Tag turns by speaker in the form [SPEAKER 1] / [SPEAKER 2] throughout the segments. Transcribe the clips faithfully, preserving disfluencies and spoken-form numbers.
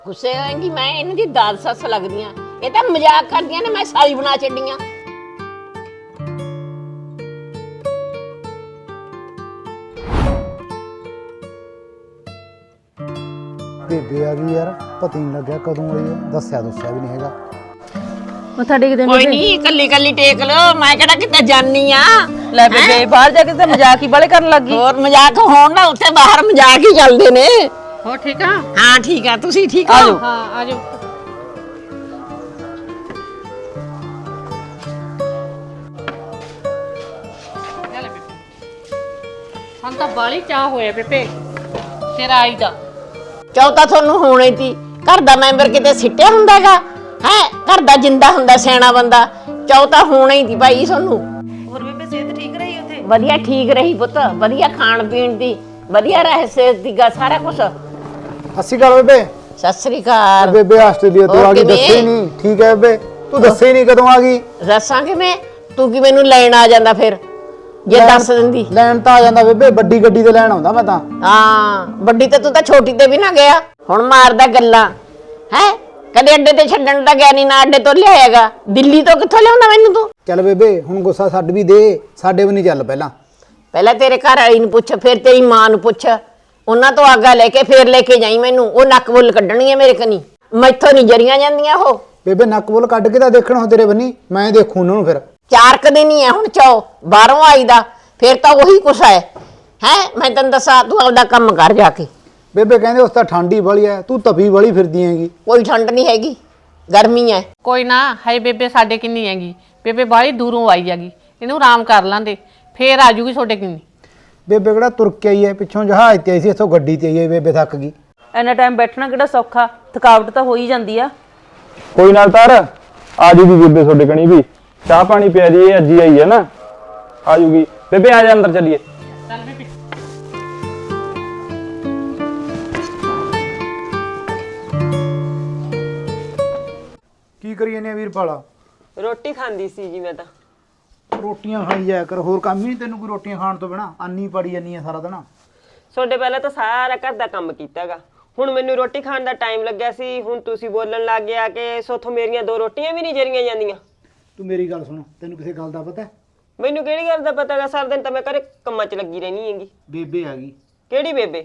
[SPEAKER 1] ਗੁੱਸੇ ਹੋਏਗੀ ਮੈਂ ਇਹਨਾਂ ਦੀ ਦਾਦ ਸੱਸ ਲੱਗਦੀ ਆ। ਇਹ ਤਾਂ ਮਜ਼ਾਕ ਕਰਦੀਆਂ ਨੇ, ਮੈਂ ਸਾਲੀ ਬਣਾ ਛੱਡੀਆਂ।
[SPEAKER 2] ਬੇਬੇ ਆ ਗਈ ਯਾਰ, ਪਤਾ ਨਹੀਂ ਲੱਗਿਆ ਕਦੋਂ ਆਈ ਆ, ਦੱਸਿਆ ਦੱਸਿਆ ਵੀ ਨਹੀਂ ਹੈਗਾ।
[SPEAKER 3] ਮੱਥਾ ਟੇਕਦੇ
[SPEAKER 1] ਕੋਈ ਨਹੀਂ, ਕੱਲੀ ਕੱਲੀ ਟੇਕ ਲੋ, ਮੈਂ ਕਿਹੜਾ ਕਿਤੇ ਜਾਨੀ ਆ।
[SPEAKER 3] ਲੈ ਬੇਬੇ ਬਾਹਰ ਜਾ ਕੇ ਤੇ ਮਜ਼ਾਕ ਹੀ ਬਾਲੇ ਕਰਨ ਲੱਗੀ।
[SPEAKER 1] ਹੋਰ ਮਜ਼ਾਕ ਹੋਣ ਨਾ, ਉੱਥੇ ਬਾਹਰ ਮਜ਼ਾਕ ਹੀ ਚੱਲਦੇ ਨੇ।
[SPEAKER 3] ਹੋ ਠੀਕ ਆ?
[SPEAKER 1] ਹਾਂ ਠੀਕ ਆ, ਤੁਸੀਂ ਠੀਕ ਹੋ?
[SPEAKER 3] ਆਜੋ। ਹਾਂ ਆਜੋ। ਹਾਂ ਤਾਂ ਬਾਲੀ ਚਾਹ ਹੋਇਆ ਬੇਬੇ ਤੇਰਾ ਆਈ ਦਾ।
[SPEAKER 1] ਚੌਥਾ ਤੁਹਾਨੂੰ ਹੋਣਾ ਹੀ ਸੀ। ਘਰ ਦਾ ਮੈਂਬਰ ਕਿਤੇ ਸਿੱਟਿਆ ਹੁੰਦਾਗਾ ਹੈ? ਘਰ ਦਾ ਜਿੰਦਾ ਹੁੰਦਾ ਸਿਆਣਾ ਬੰਦਾ। ਚੌਥਾ ਹੋਣਾ ਹੀ ਸੀ ਭਾਈ ਤੁਹਾਨੂੰ।
[SPEAKER 3] ਹੋਰ ਬੇਬੇ ਸਿਹਤ ਠੀਕ ਰਹੀ ਉੱਥੇ?
[SPEAKER 1] ਵਧੀਆ ਠੀਕ ਰਹੀ ਪੁੱਤ, ਵਧੀਆ ਖਾਣ ਪੀਣ ਦੀ, ਵਧੀਆ ਰਹੇ ਸਿਹਤ ਦੀ ਗਾ ਸਾਰਾ ਕੁਝ।
[SPEAKER 2] ਅਸੀਂ ਗੱਲ ਬੇਬੇ।
[SPEAKER 1] ਸਤਿ ਸ੍ਰੀ ਅਕਾਲ।
[SPEAKER 2] ਬੇਬੇ ਆਸਟ੍ਰੇਲੀਆ ਤੋਂ
[SPEAKER 1] ਹੋਰ
[SPEAKER 2] ਆ ਗਈ,
[SPEAKER 1] ਕਿਵੇਂ?
[SPEAKER 2] ਦੱਸੇ ਨਹੀਂ। ਠੀਕ ਹੈ ਬੇਬੇ, ਤੂੰ ਦੱਸੇ ਹੀ ਨਹੀਂ ਕਦੋਂ ਆ ਗਈ।
[SPEAKER 1] ਦੱਸਾਂ ਕਿਵੇਂ? ਤੂੰ ਕਿ ਮੈਨੂੰ ਲੈਣ ਆ ਜਾਂਦਾ ਫਿਰ ਜੇ
[SPEAKER 2] ਲੈਣ-
[SPEAKER 1] ਦੱਸ ਦਿੰਦੀ।
[SPEAKER 2] ਲੈਣ ਤਾਂ ਆ ਜਾਂਦਾ ਬੇਬੇ, ਵੱਡੀ ਗੱਡੀ ਤੇ ਲੈਣ ਆਉਂਦਾ ਮੈਂ ਤਾਂ।
[SPEAKER 1] ਹਾਂ ਵੱਡੀ ਤੇ ਤੂੰ ਤਾਂ ਛੋਟੀ ਤੇ ਵੀ ਨਾ ਗਿਆ। ਹੁਣ ਮਾਰਦਾ ਗੱਲਾਂ ਹੈ। ਕਦੇ ਅੱਡੇ ਤੇ ਛੱਡਣ ਤਾਂ ਗਿਆ ਨਹੀਂ, ਨਾ ਅੱਡੇ ਤੋਂ ਲਿਆਏਗਾ। ਦਿੱਲੀ ਤੋਂ ਕਿੱਥੋਂ ਲਿਆਉਂਦਾ ਮੈਨੂੰ ਤੂੰ?
[SPEAKER 2] ਚੱਲ ਬੇਬੇ ਹੁਣ ਗੁੱਸਾ ਛੱਡ ਵੀ ਦੇ, ਸਾਡੇ ਵੀ ਨਹੀਂ ਚੱਲ ਪਹਿਲਾਂ।
[SPEAKER 1] ਪਹਿਲਾਂ ਤੇਰੇ ਘਰ ਵਾਲੀ ਨੂੰ ਪੁੱਛ, ਫਿਰ ਤੇਰੀ ਮਾਂ ਨੂੰ ਪੁੱਛ। ਉਹਨਾਂ ਤੋਂ ਆਗਾ ਲੈ ਕੇ ਫੇਰ ਲੈ ਕੇ ਜਾਈ ਮੈਨੂੰ। ਉਹ ਨੱਕ ਬੁੱਲ ਕੱਢਣੀ ਹੈ ਮੇਰੇ ਕਨੀ, ਮੈਥੋਂ ਨਹੀਂ ਜਰੀਆਂ ਜਾਂਦੀਆਂ ਉਹ।
[SPEAKER 2] ਬੇਬੇ ਨੱਕ ਬੋਲ ਕੱਢ ਕੇ ਤਾਂ ਦੇਖਣ ਹੋ ਤੇਰੇ ਬੰਨੀ, ਮੈਂ ਦੇਖੂ ਉਹਨਾਂ ਨੂੰ ਫਿਰ।
[SPEAKER 1] ਚਾਰ ਕਦੇ ਨਹੀਂ ਹੈ ਹੁਣ ਚੋ ਬਾਹਰੋਂ ਆਈ ਦਾ, ਫੇਰ ਤਾਂ ਉਹੀ ਕੁਛ ਹੈ ਹੈ। ਮੈਂ ਤੈਨੂੰ ਦੱਸਾਂ, ਤੂੰ ਆਪਦਾ ਕੰਮ ਕਰ ਜਾ ਕੇ।
[SPEAKER 2] ਬੇਬੇ ਕਹਿੰਦੇ ਉਸ ਤਾਂ ਠੰਡੀ ਵਾਲੀ ਐ, ਤੂੰ ਤਪੀ ਵਾਲੀ ਫਿਰਦੀ ਹੈਗੀ।
[SPEAKER 1] ਕੋਈ ਠੰਡ ਨਹੀਂ ਹੈਗੀ, ਗਰਮੀ ਹੈ।
[SPEAKER 3] ਕੋਈ ਨਾ ਹੈ ਬੇਬੇ, ਸਾਡੇ ਕਿੰਨੀ ਹੈਗੀ ਬੇਬੇ, ਬਾਹਲੀ ਦੂਰੋਂ ਆਈ ਹੈਗੀ। ਇਹਨੂੰ ਆਰਾਮ ਕਰ ਲਾਂਦੇ ਫੇਰ ਆ ਜੂਗੀ ਤੁਹਾਡੇ ਕਿੰਨੀ।
[SPEAKER 2] ਬੇਬੇ ਕਿਹੜਾ ਤੁਰ ਕੇ ਆਈ ਐ, ਪਿੱਛੋਂ ਜਹਾਜ਼ ਤੇ ਆਈ ਸੀ, ਇੱਥੋਂ ਗੱਡੀ ਤੇ ਆਈ ਐ। ਬੇਬੇ ਥੱਕ ਗਈ।
[SPEAKER 4] ਇੰਨਾ ਟਾਈਮ ਬੈਠਣਾ ਕਿਹੜਾ ਸੌਖਾ, ਥਕਾਵਟ ਤਾਂ ਹੋ ਹੀ ਜਾਂਦੀ ਆ।
[SPEAKER 5] ਕੋਈ ਨਾ ਤਾਰ ਆ ਜੂਗੀ ਬੇਬੇ ਤੁਹਾਡੇ ਕਣੀ ਵੀ। ਚਾਹ ਪਾਣੀ ਪਿਆ ਜੀ, ਇਹ ਅੱਜ ਹੀ ਆਈ ਹੈ ਨਾ, ਆ ਜੂਗੀ। ਬੇਬੇ ਆ ਜਾ ਅੰਦਰ ਚੱਲੀਏ।
[SPEAKER 2] ਕੀ ਕਰੀ ਜਾਂਦੇ ਆ ਵੀਰਪਾਲਾ?
[SPEAKER 6] ਰੋਟੀ ਖਾਂਦੀ ਸੀ ਜੀ ਮੈਂ ਤਾਂ।
[SPEAKER 2] ਰੋਟੀਆਂ ਖਾਈ ਜਾਇਆ ਕਰ, ਹੋਰ ਕੰਮ ਹੀ ਨਹੀਂ ਤੈਨੂੰ ਕੋਈ ਰੋਟੀਆਂ ਖਾਣ ਤੋਂ ਬਿਨਾ? ਆਨੀ ਪੜੀ ਜਾਨੀ ਆ ਸਾਰਾ ਦਿਨ।
[SPEAKER 6] ਤੁਹਾਡੇ ਪਹਿਲਾਂ ਤਾਂ ਸਾਰਾ ਘਰ ਦਾ ਕੰਮ ਕੀਤਾਗਾ, ਹੁਣ ਮੈਨੂੰ ਰੋਟੀ ਖਾਣ ਦਾ ਟਾਈਮ ਲੱਗਿਆ ਸੀ। ਹੁਣ ਤੁਸੀਂ ਬੋਲਣ ਲੱਗ ਗਿਆ ਕਿ ਸੋਥੋਂ ਮੇਰੀਆਂ ਦੋ ਰੋਟੀਆਂ ਵੀ ਨਹੀਂ ਜਰੀਆਂ ਜਾਂਦੀਆਂ।
[SPEAKER 2] ਤੂੰ ਮੇਰੀ ਗੱਲ ਸੁਣ, ਤੈਨੂੰ ਕਿਸੇ ਗੱਲ ਦਾ ਪਤਾ?
[SPEAKER 6] ਮੈਨੂੰ ਕਿਹੜੀ ਗੱਲ ਦਾ ਪਤਾਗਾ? ਸਾਰਾ ਦਿਨ ਤਾਂ ਮੈਂ ਘਰੇ ਕੰਮਾਂ 'ਚ ਲੱਗੀ ਰਹਿਣੀ ਹੈਗੀ।
[SPEAKER 2] ਬੇਬੇ ਆ ਗਈ,
[SPEAKER 6] ਕਿਹੜੀ ਬੇਬੇ?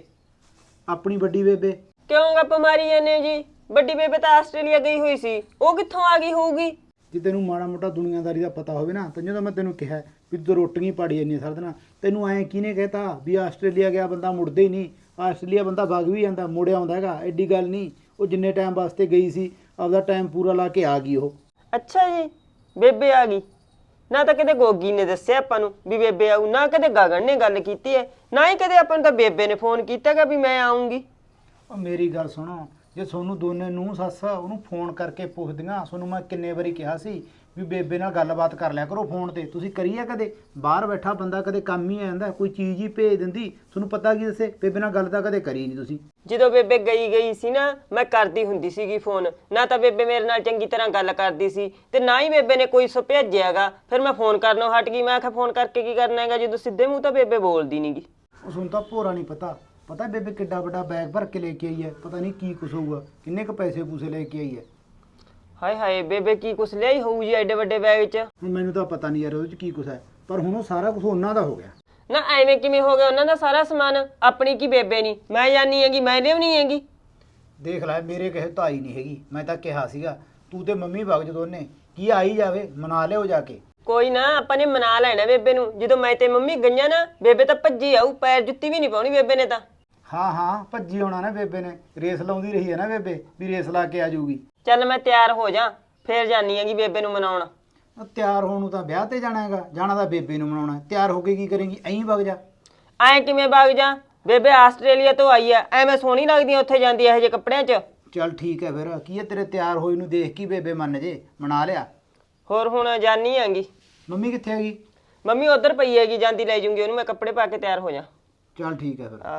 [SPEAKER 2] ਆਪਣੀ ਵੱਡੀ ਬੇਬੇ।
[SPEAKER 6] ਕਿਉਂ ਗੱਪ ਮਾਰੀ ਜਾਂਦੇ ਹੋ ਜੀ? ਵੱਡੀ ਬੇਬੇ ਤਾਂ ਆਸਟ੍ਰੇਲੀਆ ਗਈ ਹੋਈ ਸੀ, ਉਹ ਕਿੱਥੋਂ ਆ ਗਈ ਹੋਊਗੀ?
[SPEAKER 2] ਜੇ ਤੈਨੂੰ ਮਾੜਾ ਮੋਟਾ ਦੁਨੀਆਦਾਰੀ ਦਾ ਪਤਾ ਹੋਵੇ ਨਾ, ਤਾਂ ਜਦੋਂ ਮੈਂ ਤੈਨੂੰ ਕਿਹਾ ਵੀ ਤੂੰ ਰੋਟੀਆਂ ਪਾੜੀ ਜਾਂਦੀ ਸਾਰਾ ਦਿਨ, ਤੈਨੂੰ ਐਂ ਕਿਹਨੇ ਕਹਿਤਾ ਵੀ ਆਸਟ੍ਰੇਲੀਆ ਗਿਆ ਬੰਦਾ ਮੁੜਦਾ ਹੀ ਨਹੀਂ? ਆਸਟ੍ਰੇਲੀਆ ਬੰਦਾ ਵਗ ਵੀ ਜਾਂਦਾ, ਮੁੜ ਆਉਂਦਾ ਹੈਗਾ, ਐਡੀ ਗੱਲ ਨਹੀਂ। ਉਹ ਜਿੰਨੇ ਟਾਈਮ ਵਾਸਤੇ ਗਈ ਸੀ ਆਪਦਾ ਟਾਈਮ ਪੂਰਾ ਲਾ ਕੇ ਆ ਗਈ ਉਹ।
[SPEAKER 6] ਅੱਛਾ ਜੀ, ਬੇਬੇ ਆ ਗਈ। ਨਾ ਤਾਂ ਕਦੇ ਗੋਗੀ ਨੇ ਦੱਸਿਆ ਆਪਾਂ ਨੂੰ ਵੀ ਬੇਬੇ ਆਊ, ਨਾ ਕਦੇ ਗਗਨ ਨੇ ਗੱਲ ਕੀਤੀ ਹੈ, ਨਾ ਹੀ ਕਦੇ ਆਪਾਂ ਨੂੰ ਤਾਂ ਬੇਬੇ ਨੇ ਫੋਨ ਕੀਤਾਗਾ ਵੀ ਮੈਂ ਆਉਂਗੀ।
[SPEAKER 2] ਉਹ ਮੇਰੀ ਗੱਲ ਸੁਣੋ, ਜੇ ਤੁਹਾਨੂੰ ਦੋਨੇ ਨੂੰ ਸੱਸ ਉਹਨੂੰ ਫੋਨ ਕਰਕੇ ਪੁੱਛਦੀਆਂ, ਤੁਹਾਨੂੰ ਮੈਂ ਕਿੰਨੇ ਵਾਰੀ ਕਿਹਾ ਸੀ ਵੀ ਬੇਬੇ ਨਾਲ ਗੱਲਬਾਤ ਕਰ ਲਿਆ ਕਰੋ ਫੋਨ ਤੇ। ਤੁਸੀਂ ਕਰੀ ਆ ਕਦੇ? ਬਾਹਰ ਬੈਠਾ ਬੰਦਾ ਕਦੇ ਕੰਮ ਹੀ ਆ ਜਾਂਦਾ, ਕੋਈ ਚੀਜ਼ ਹੀ ਭੇਜ ਦਿੰਦੀ। ਤੁਹਾਨੂੰ ਪਤਾ ਕੀ ਦੱਸੇ, ਬੇਬੇ ਨਾਲ ਗੱਲ ਤਾਂ ਕਦੇ ਕਰੀ ਨਹੀਂ ਤੁਸੀਂ।
[SPEAKER 6] ਜਦੋਂ ਬੇਬੇ ਗਈ ਗਈ ਸੀ ਨਾ, ਮੈਂ ਕਰਦੀ ਹੁੰਦੀ ਸੀਗੀ ਫੋਨ। ਨਾ ਤਾਂ ਬੇਬੇ ਮੇਰੇ ਨਾਲ ਚੰਗੀ ਤਰ੍ਹਾਂ ਗੱਲ ਕਰਦੀ ਸੀ, ਤੇ ਨਾ ਹੀ ਬੇਬੇ ਨੇ ਕੋਈ ਸੋ ਭੇਜਿਆਗਾ। ਫਿਰ ਮੈਂ ਫੋਨ ਕਰਨੋਂ ਹਟ ਗਈ। ਮੈਂ ਕਿਹਾ ਫੋਨ ਕਰਕੇ ਕੀ ਕਰਨਾ ਹੈਗਾ, ਜਦੋਂ ਸਿੱਧੇ ਮੂੰਹ ਤਾਂ ਬੇਬੇ ਬੋਲਦੀ ਨਹੀਂਗੀ।
[SPEAKER 2] ਉਹ ਸੁਣ ਤਾਂ ਭੋਰਾ ਨਹੀਂ ਪਤਾ। ਪਤਾ ਬੇਬੇ ਕਿੱਡਾ ਵੱਡਾ ਬੈਗ ਭਰ ਕੇ ਲੈ ਕੇ ਆਈ ਹੈ, ਪਤਾ ਨਹੀਂ ਕੀ ਕੁਛ ਹੋਊਗਾ, ਕਿੰਨੇ ਕੁ ਪੈਸੇ ਪੂਸੇ ਲੈ ਕੇ ਆਈ ਹੈ।
[SPEAKER 6] ਹਾਏ ਹਾਏ, ਬੇਬੇ ਕੀ ਕੁਛ ਲਿਆਈ ਹੋਊ ਜੀ ਐਡੇ ਵੱਡੇ ਬੈਗ 'ਚ?
[SPEAKER 2] ਹੁਣ ਮੈਨੂੰ ਤਾਂ ਪਤਾ ਨਹੀਂ ਯਾਰ ਉਹਦੇ 'ਚ ਕੀ ਕੁਛ ਹੈ, ਪਰ ਹੁਣ ਉਹ ਸਾਰਾ ਕੁਛ ਉਹਨਾਂ ਦਾ ਹੋ ਗਿਆ।
[SPEAKER 6] ਨਾ ਐਵੇਂ ਕਿਵੇਂ ਹੋ ਗਿਆ? ਉਹਨਾਂ ਦਾ ਸਾਰਾ ਸਮਾਨ ਆਪਣੀ ਕੀ ਬੇਬੇ ਨਹੀਂ? ਮੈਂ ਜਾਣੀ ਹੈਗੀ, ਮੈਂ ਲਿਆਉਣੀ ਹੈਗੀ।
[SPEAKER 2] ਦੇਖ ਲੈ, ਮੇਰੇ ਕਹੇ ਤਾਂ ਆਈ ਨਹੀਂ ਹੈਗੀ। ਮੈਂ ਤਾਂ ਕਿਹਾ ਸੀਗਾ ਤੂੰ ਤੇ ਮੰਮੀ ਵਗ ਜਦੋਂ ਉਹਨੇ ਕੀ ਆਈ ਜਾਵੇ, ਮਨਾ ਲਿਓ ਜਾ ਕੇ।
[SPEAKER 6] ਕੋਈ ਨਾ, ਆਪਾਂ ਨੇ ਮਨਾ ਲੈਣਾ ਬੇਬੇ ਨੂੰ। ਜਦੋਂ ਮੈਂ ਤੇ ਮੰਮੀ ਗਈਆਂ ਨਾ, ਬੇਬੇ ਤਾਂ ਭੱਜੀ ਆਊ, ਪੈਰ ਜੁੱਤੀ ਵੀ ਨਹੀਂ ਪਾਉਣੀ ਬੇਬੇ ਨੇ ਤਾਂ।
[SPEAKER 2] ਹਾਂ ਹਾਂ ਭੱਜੀ ਆਉਣਾ ਨਾ ਬੇਬੇ ਨੇ, ਰੇਸ ਲਾਉਂਦੀ ਰਹੀ ਹੈ ਨਾ ਬੇਬੇ, ਵੀ ਰੇਸ ਲਾ ਕੇ ਆ ਜਾਊਗੀ।
[SPEAKER 6] ਚੱਲ ਮੈਂ ਤਿਆਰ ਹੋ ਜਾ, ਫੇਰ ਜਾਣੀ ਹੈਗੀ ਬੇਬੇ ਨੂੰ ਮਨਾਉਣ।
[SPEAKER 2] ਤਿਆਰ ਹੋਣ ਨੂੰ ਤਾਂ ਵਿਆਹ ਤੇ ਜਾਣਾ ਹੈਗਾ, ਜਾਣਾ ਤਾਂ ਬੇਬੇ ਨੂੰ ਮਨਾਉਣਾ। ਤਿਆਰ ਹੋ ਕੇ ਕੀ ਕਰੇਂਗੀ? ਐਂ ਵਗ ਜਾ।
[SPEAKER 6] ਐਂ ਕਿਵੇਂ ਵਗ ਜਾ? ਬੇਬੇ ਆਸਟ੍ਰੇਲੀਆ ਤੋਂ ਆਈ ਐ, ਐਵੇਂ ਸੋਹਣੀ ਲੱਗਦੀ ਐ ਉੱਥੇ ਜਾਂਦੀ ਇਹੋ ਜਿਹੇ ਕੱਪੜਿਆਂ 'ਚ।
[SPEAKER 2] ਚੱਲ ਠੀਕ ਹੈ ਫਿਰ, ਕੀ ਹੈ ਤੇਰੇ ਤਿਆਰ ਹੋਈ ਨੂੰ ਦੇਖ ਕੇ ਬੇਬੇ ਮੰਨ ਜੇ, ਮਨਾ ਲਿਆ।
[SPEAKER 6] ਹੋਰ ਹੁਣ ਜਾਣੀ ਹੈਗੀ।
[SPEAKER 2] ਮੰਮੀ ਕਿੱਥੇ ਹੈਗੀ?
[SPEAKER 6] ਮੰਮੀ ਉਧਰ ਪਈ ਹੈਗੀ, ਜਾਂਦੀ ਲੈ ਜੂੰਗੀ ਉਹਨੂੰ ਮੈਂ, ਕੱਪੜੇ ਪਾ ਕੇ ਤਿਆਰ ਹੋ ਜਾ।
[SPEAKER 2] ਚੱਲ ਠੀਕ ਹੈ ਫਿਰ।
[SPEAKER 6] ਆਹੋ,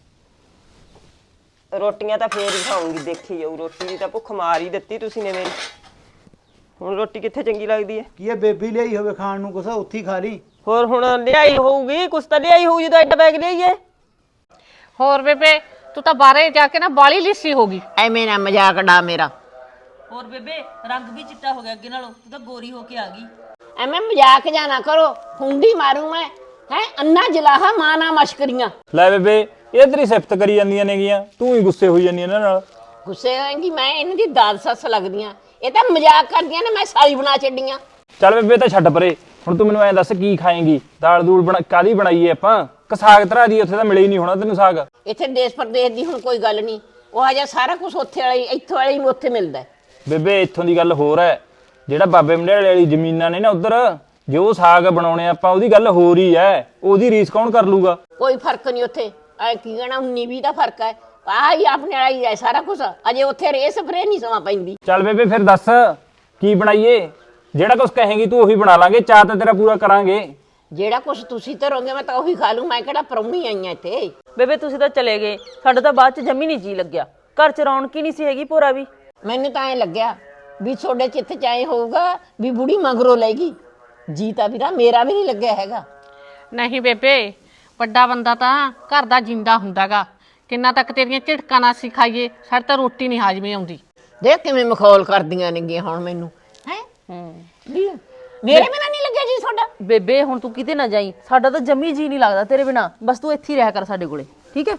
[SPEAKER 6] ਰੋਟੀਆਂ ਤਾਂ ਫੇਰ ਹੀ ਖਾਊਂਗੀ, ਦੇਖੀ ਜਾਊ। ਰੋਟੀ ਦੀ ਤਾਂ ਭੁੱਖ ਮਾਰ ਹੀ ਦਿੱਤੀ ਤੁਸੀਂ ਨੇ ਮੇਰੀ। ਹੁਣ ਰੋਟੀ ਕਿੱਥੇ ਚੰਗੀ ਲੱਗਦੀ ਹੈ?
[SPEAKER 2] ਕੀ ਹੈ ਬੇਬੀ ਲਿਆਈ ਹੋਵੇ ਖਾਣ ਨੂੰ ਕੁਛ, ਉੱਥੇ ਹੀ ਖਾ ਲਈ।
[SPEAKER 6] ਹੋਰ ਹੁਣ ਲਿਆਈ ਹੋਊਗੀ ਕੁਛ ਤਾਂ, ਲਿਆਈ ਹੋਊ ਜਦੋਂ ਐਡਾ ਬੈਗ ਲਿਆਈਏ।
[SPEAKER 3] ਹੋਰ ਬੇਬੇ ਤੂੰ ਤਾਂ ਬਾਹਰੇ ਜਾ ਕੇ ਨਾ ਬਾਲੀ ਲਿੱਸੀ ਹੋ ਗਈ।
[SPEAKER 1] ਐਵੇਂ ਨਾ ਮਜ਼ਾਕ ਡਾ ਮੇਰਾ।
[SPEAKER 4] ਹੋਰ ਬੇਬੇ ਰੰਗ ਵੀ ਚਿੱਟਾ ਹੋ ਗਿਆ ਅੱਗੇ ਨਾਲੋਂ, ਤੂੰ ਤਾਂ ਗੋਰੀ ਹੋ ਕੇ ਆ ਗਈ।
[SPEAKER 1] ਐਵੇਂ ਮਜ਼ਾਕ ਜਾਣਾ ਕਰੋ, ਹੁੰਡੀ ਮਾਰੂ ਮੈਂ। ਹੈ ਅੰਨਾ ਜਲਾਹਾ ਮਾਂ ਨਾ ਮਸ਼ਕਰੀਆਂ।
[SPEAKER 5] ਲੈ ਬੇਬੇ ਇਹ ਤੇਰੀ ਸਿਫਤ ਕਰੀ ਜਾਂਦੀਆਂ ਨੇਗੀਆਂ, ਤੂੰ ਹੀ ਗੁੱਸੇ ਹੋਈ ਜਾਂਦੀ ਇਹਨਾਂ ਨਾਲ।
[SPEAKER 1] ਗੁੱਸੇ ਹੋਏਗੀ ਮੈਂ ਇਹਨਾਂ ਦੀ ਦਾਦ ਸੱਸ ਲੱਗਦੀਆਂ, ਇਹ ਤਾਂ ਮਜ਼ਾਕ ਕਰਦੀਆਂ ਨੇ, ਮੈਂ ਸਾਰੀ ਬਣਾ ਛੱਡੀਆਂ।
[SPEAKER 5] ਚੱਲ ਬੇਬੇ ਤਾਂ ਛੱਡ ਪਰੇ, ਹੁਣ ਤੂੰ ਮੈਨੂੰ ਐਂ ਦੱਸ ਕੀ ਖਾਏਂਗੀ? ਦਾਲ ਦੂਲ ਬਣਾ ਕਾਦੀ ਬਣਾਈਏ ਆਪਾਂ? ਕਿ ਸਾਗ ਧਰਾ ਦੀ? ਉੱਥੇ ਤਾਂ ਮਿਲੇ ਹੀ ਨਹੀਂ ਹੋਣਾ ਤੈਨੂੰ ਸਾਗ।
[SPEAKER 1] ਇੱਥੇ ਦੇਸ਼ ਪ੍ਰਦੇਸ਼ ਦੀ ਹੁਣ ਕੋਈ ਗੱਲ ਨਹੀਂ, ਉਹ ਹਜੇ ਸਾਰਾ ਕੁਝ ਉੱਥੇ ਵਾਲੀ ਇੱਥੋਂ ਵਾਲੀ ਨੂੰ ਉੱਥੇ ਮਿਲਦਾ।
[SPEAKER 5] ਬੇਬੇ ਇੱਥੋਂ ਦੀ ਗੱਲ ਹੋਰ ਹੈ, ਜਿਹੜਾ ਬਾਬੇ ਮੰਡਿਆਲੇ ਵਾਲੀ ਜ਼ਮੀਨਾਂ ਨੇ ਨਾ ਉਧਰ, ਜੋ ਸਾਗ ਬਣਾਉਣੇ ਆਪਾਂ ਉਹਦੀ ਗੱਲ ਹੋਰ ਹੀ ਹੈ। ਉਹਦੀ ਰੀਸ ਕੌਣ ਕਰ ਲੂਗਾ?
[SPEAKER 1] ਕੋਈ ਫਰਕ ਨਹੀਂ ਉੱਥੇ। ਐ ਕੀ ਕਹਿਣਾ ਉਨੀ ਵੀਹ ਦਾ ਫਰਕ ਹੈ। ਆਹ ਹੀ ਆਪਣੇ ਵਾਲਾ ਹੀ ਹੈ ਸਾਰਾ ਕੁਝ। ਅਜੇ ਉੱਥੇ ਰੇ ਸਪਰੇ ਨਹੀਂ ਸਮਾਂ ਪੈਂਦੀ।
[SPEAKER 5] ਚੱਲ ਬੇਬੇ ਫਿਰ ਦੱਸ ਕੀ ਬਣਾਈਏ? ਜਿਹੜਾ ਕੁਝ ਕਹੇਂਗੀ ਤੂੰ ਉਹੀ ਬਣਾ ਲਾਂਗੇ, ਚਾਹ ਤਾਂ ਤੇਰਾ ਪੂਰਾ ਕਰਾਂਗੇ।
[SPEAKER 1] ਜਿਹੜਾ ਕੁਝ ਤੁਸੀਂ ਧਰੋਗੇ ਮੈਂ ਤਾਂ ਉਹੀ ਖਾ ਲੂੰ। ਮੈਂ ਕਿਹੜਾ ਪ੍ਰਾਹੁਣੀ ਆਈਆਂ ਇੱਥੇ।
[SPEAKER 4] ਬੇਬੇ ਤੁਸੀਂ ਤਾਂ ਚਲੇ ਗਏ, ਸਾਡਾ ਤਾਂ ਬਾਅਦ ਚ ਜੰਮੀ ਨਹੀਂ ਜੀ ਲੱਗਿਆ। ਘਰ ਚ ਰੌਣਕ ਹੀ ਨਹੀਂ ਸੀ ਹੈਗੀ ਭੋਰਾ ਵੀ।
[SPEAKER 1] ਮੈਨੂੰ ਤਾਂ ਐ ਲੱਗਿਆ ਵੀ ਤੁਹਾਡੇ ਚਿੱਤ ਚ ਐ ਹੋਊਗਾ ਵੀ ਬੁੜੀ ਮਗਰੋਂ ਲੈਗੀ। ਜੀ ਤਾਂ ਵੀਰਾ ਮੇਰਾ ਵੀ ਨਹੀਂ ਲੱਗਿਆ ਹੈਗਾ।
[SPEAKER 3] ਨਹੀਂ ਬੇਬੇ, ਵੱਡਾ ਬੰਦਾ ਤਾਂ ਘਰ ਦਾ ਜਿੰਦਾ ਹੁੰਦਾਗਾ। ਕਿੰਨਾ ਤੱਕ ਤੇਰੀਆਂ ਝਿੜਕਾਂ ਨਾ ਸਿਖਾਈਏ, ਸਾਡੇ ਤਾਂ ਰੋਟੀ ਨਹੀਂ ਹਾਜ਼ਮੇ ਆਉਂਦੀ।
[SPEAKER 1] ਦੇਖ ਕਿਵੇਂ ਮਖੌਲ ਕਰਦੀਆਂ ਨੇਗੀਆਂ ਹੁਣ ਮੈਨੂੰ। ਹੈ ਮੇਰੇ ਬਿਨਾਂ ਨਹੀਂ ਲੱਗਿਆ ਜੀ ਤੁਹਾਡਾ?
[SPEAKER 4] ਬੇਬੇ ਹੁਣ ਤੂੰ ਕਿਤੇ ਨਾ ਜਾਈ, ਸਾਡਾ ਤਾਂ ਜੰਮੀ ਜੀ ਨਹੀਂ ਲੱਗਦਾ ਤੇਰੇ ਬਿਨਾ। ਬਸ ਤੂੰ ਇੱਥੇ ਹੀ ਰਹਿ ਕਰ ਸਾਡੇ ਕੋਲੇ, ਠੀਕ ਹੈ?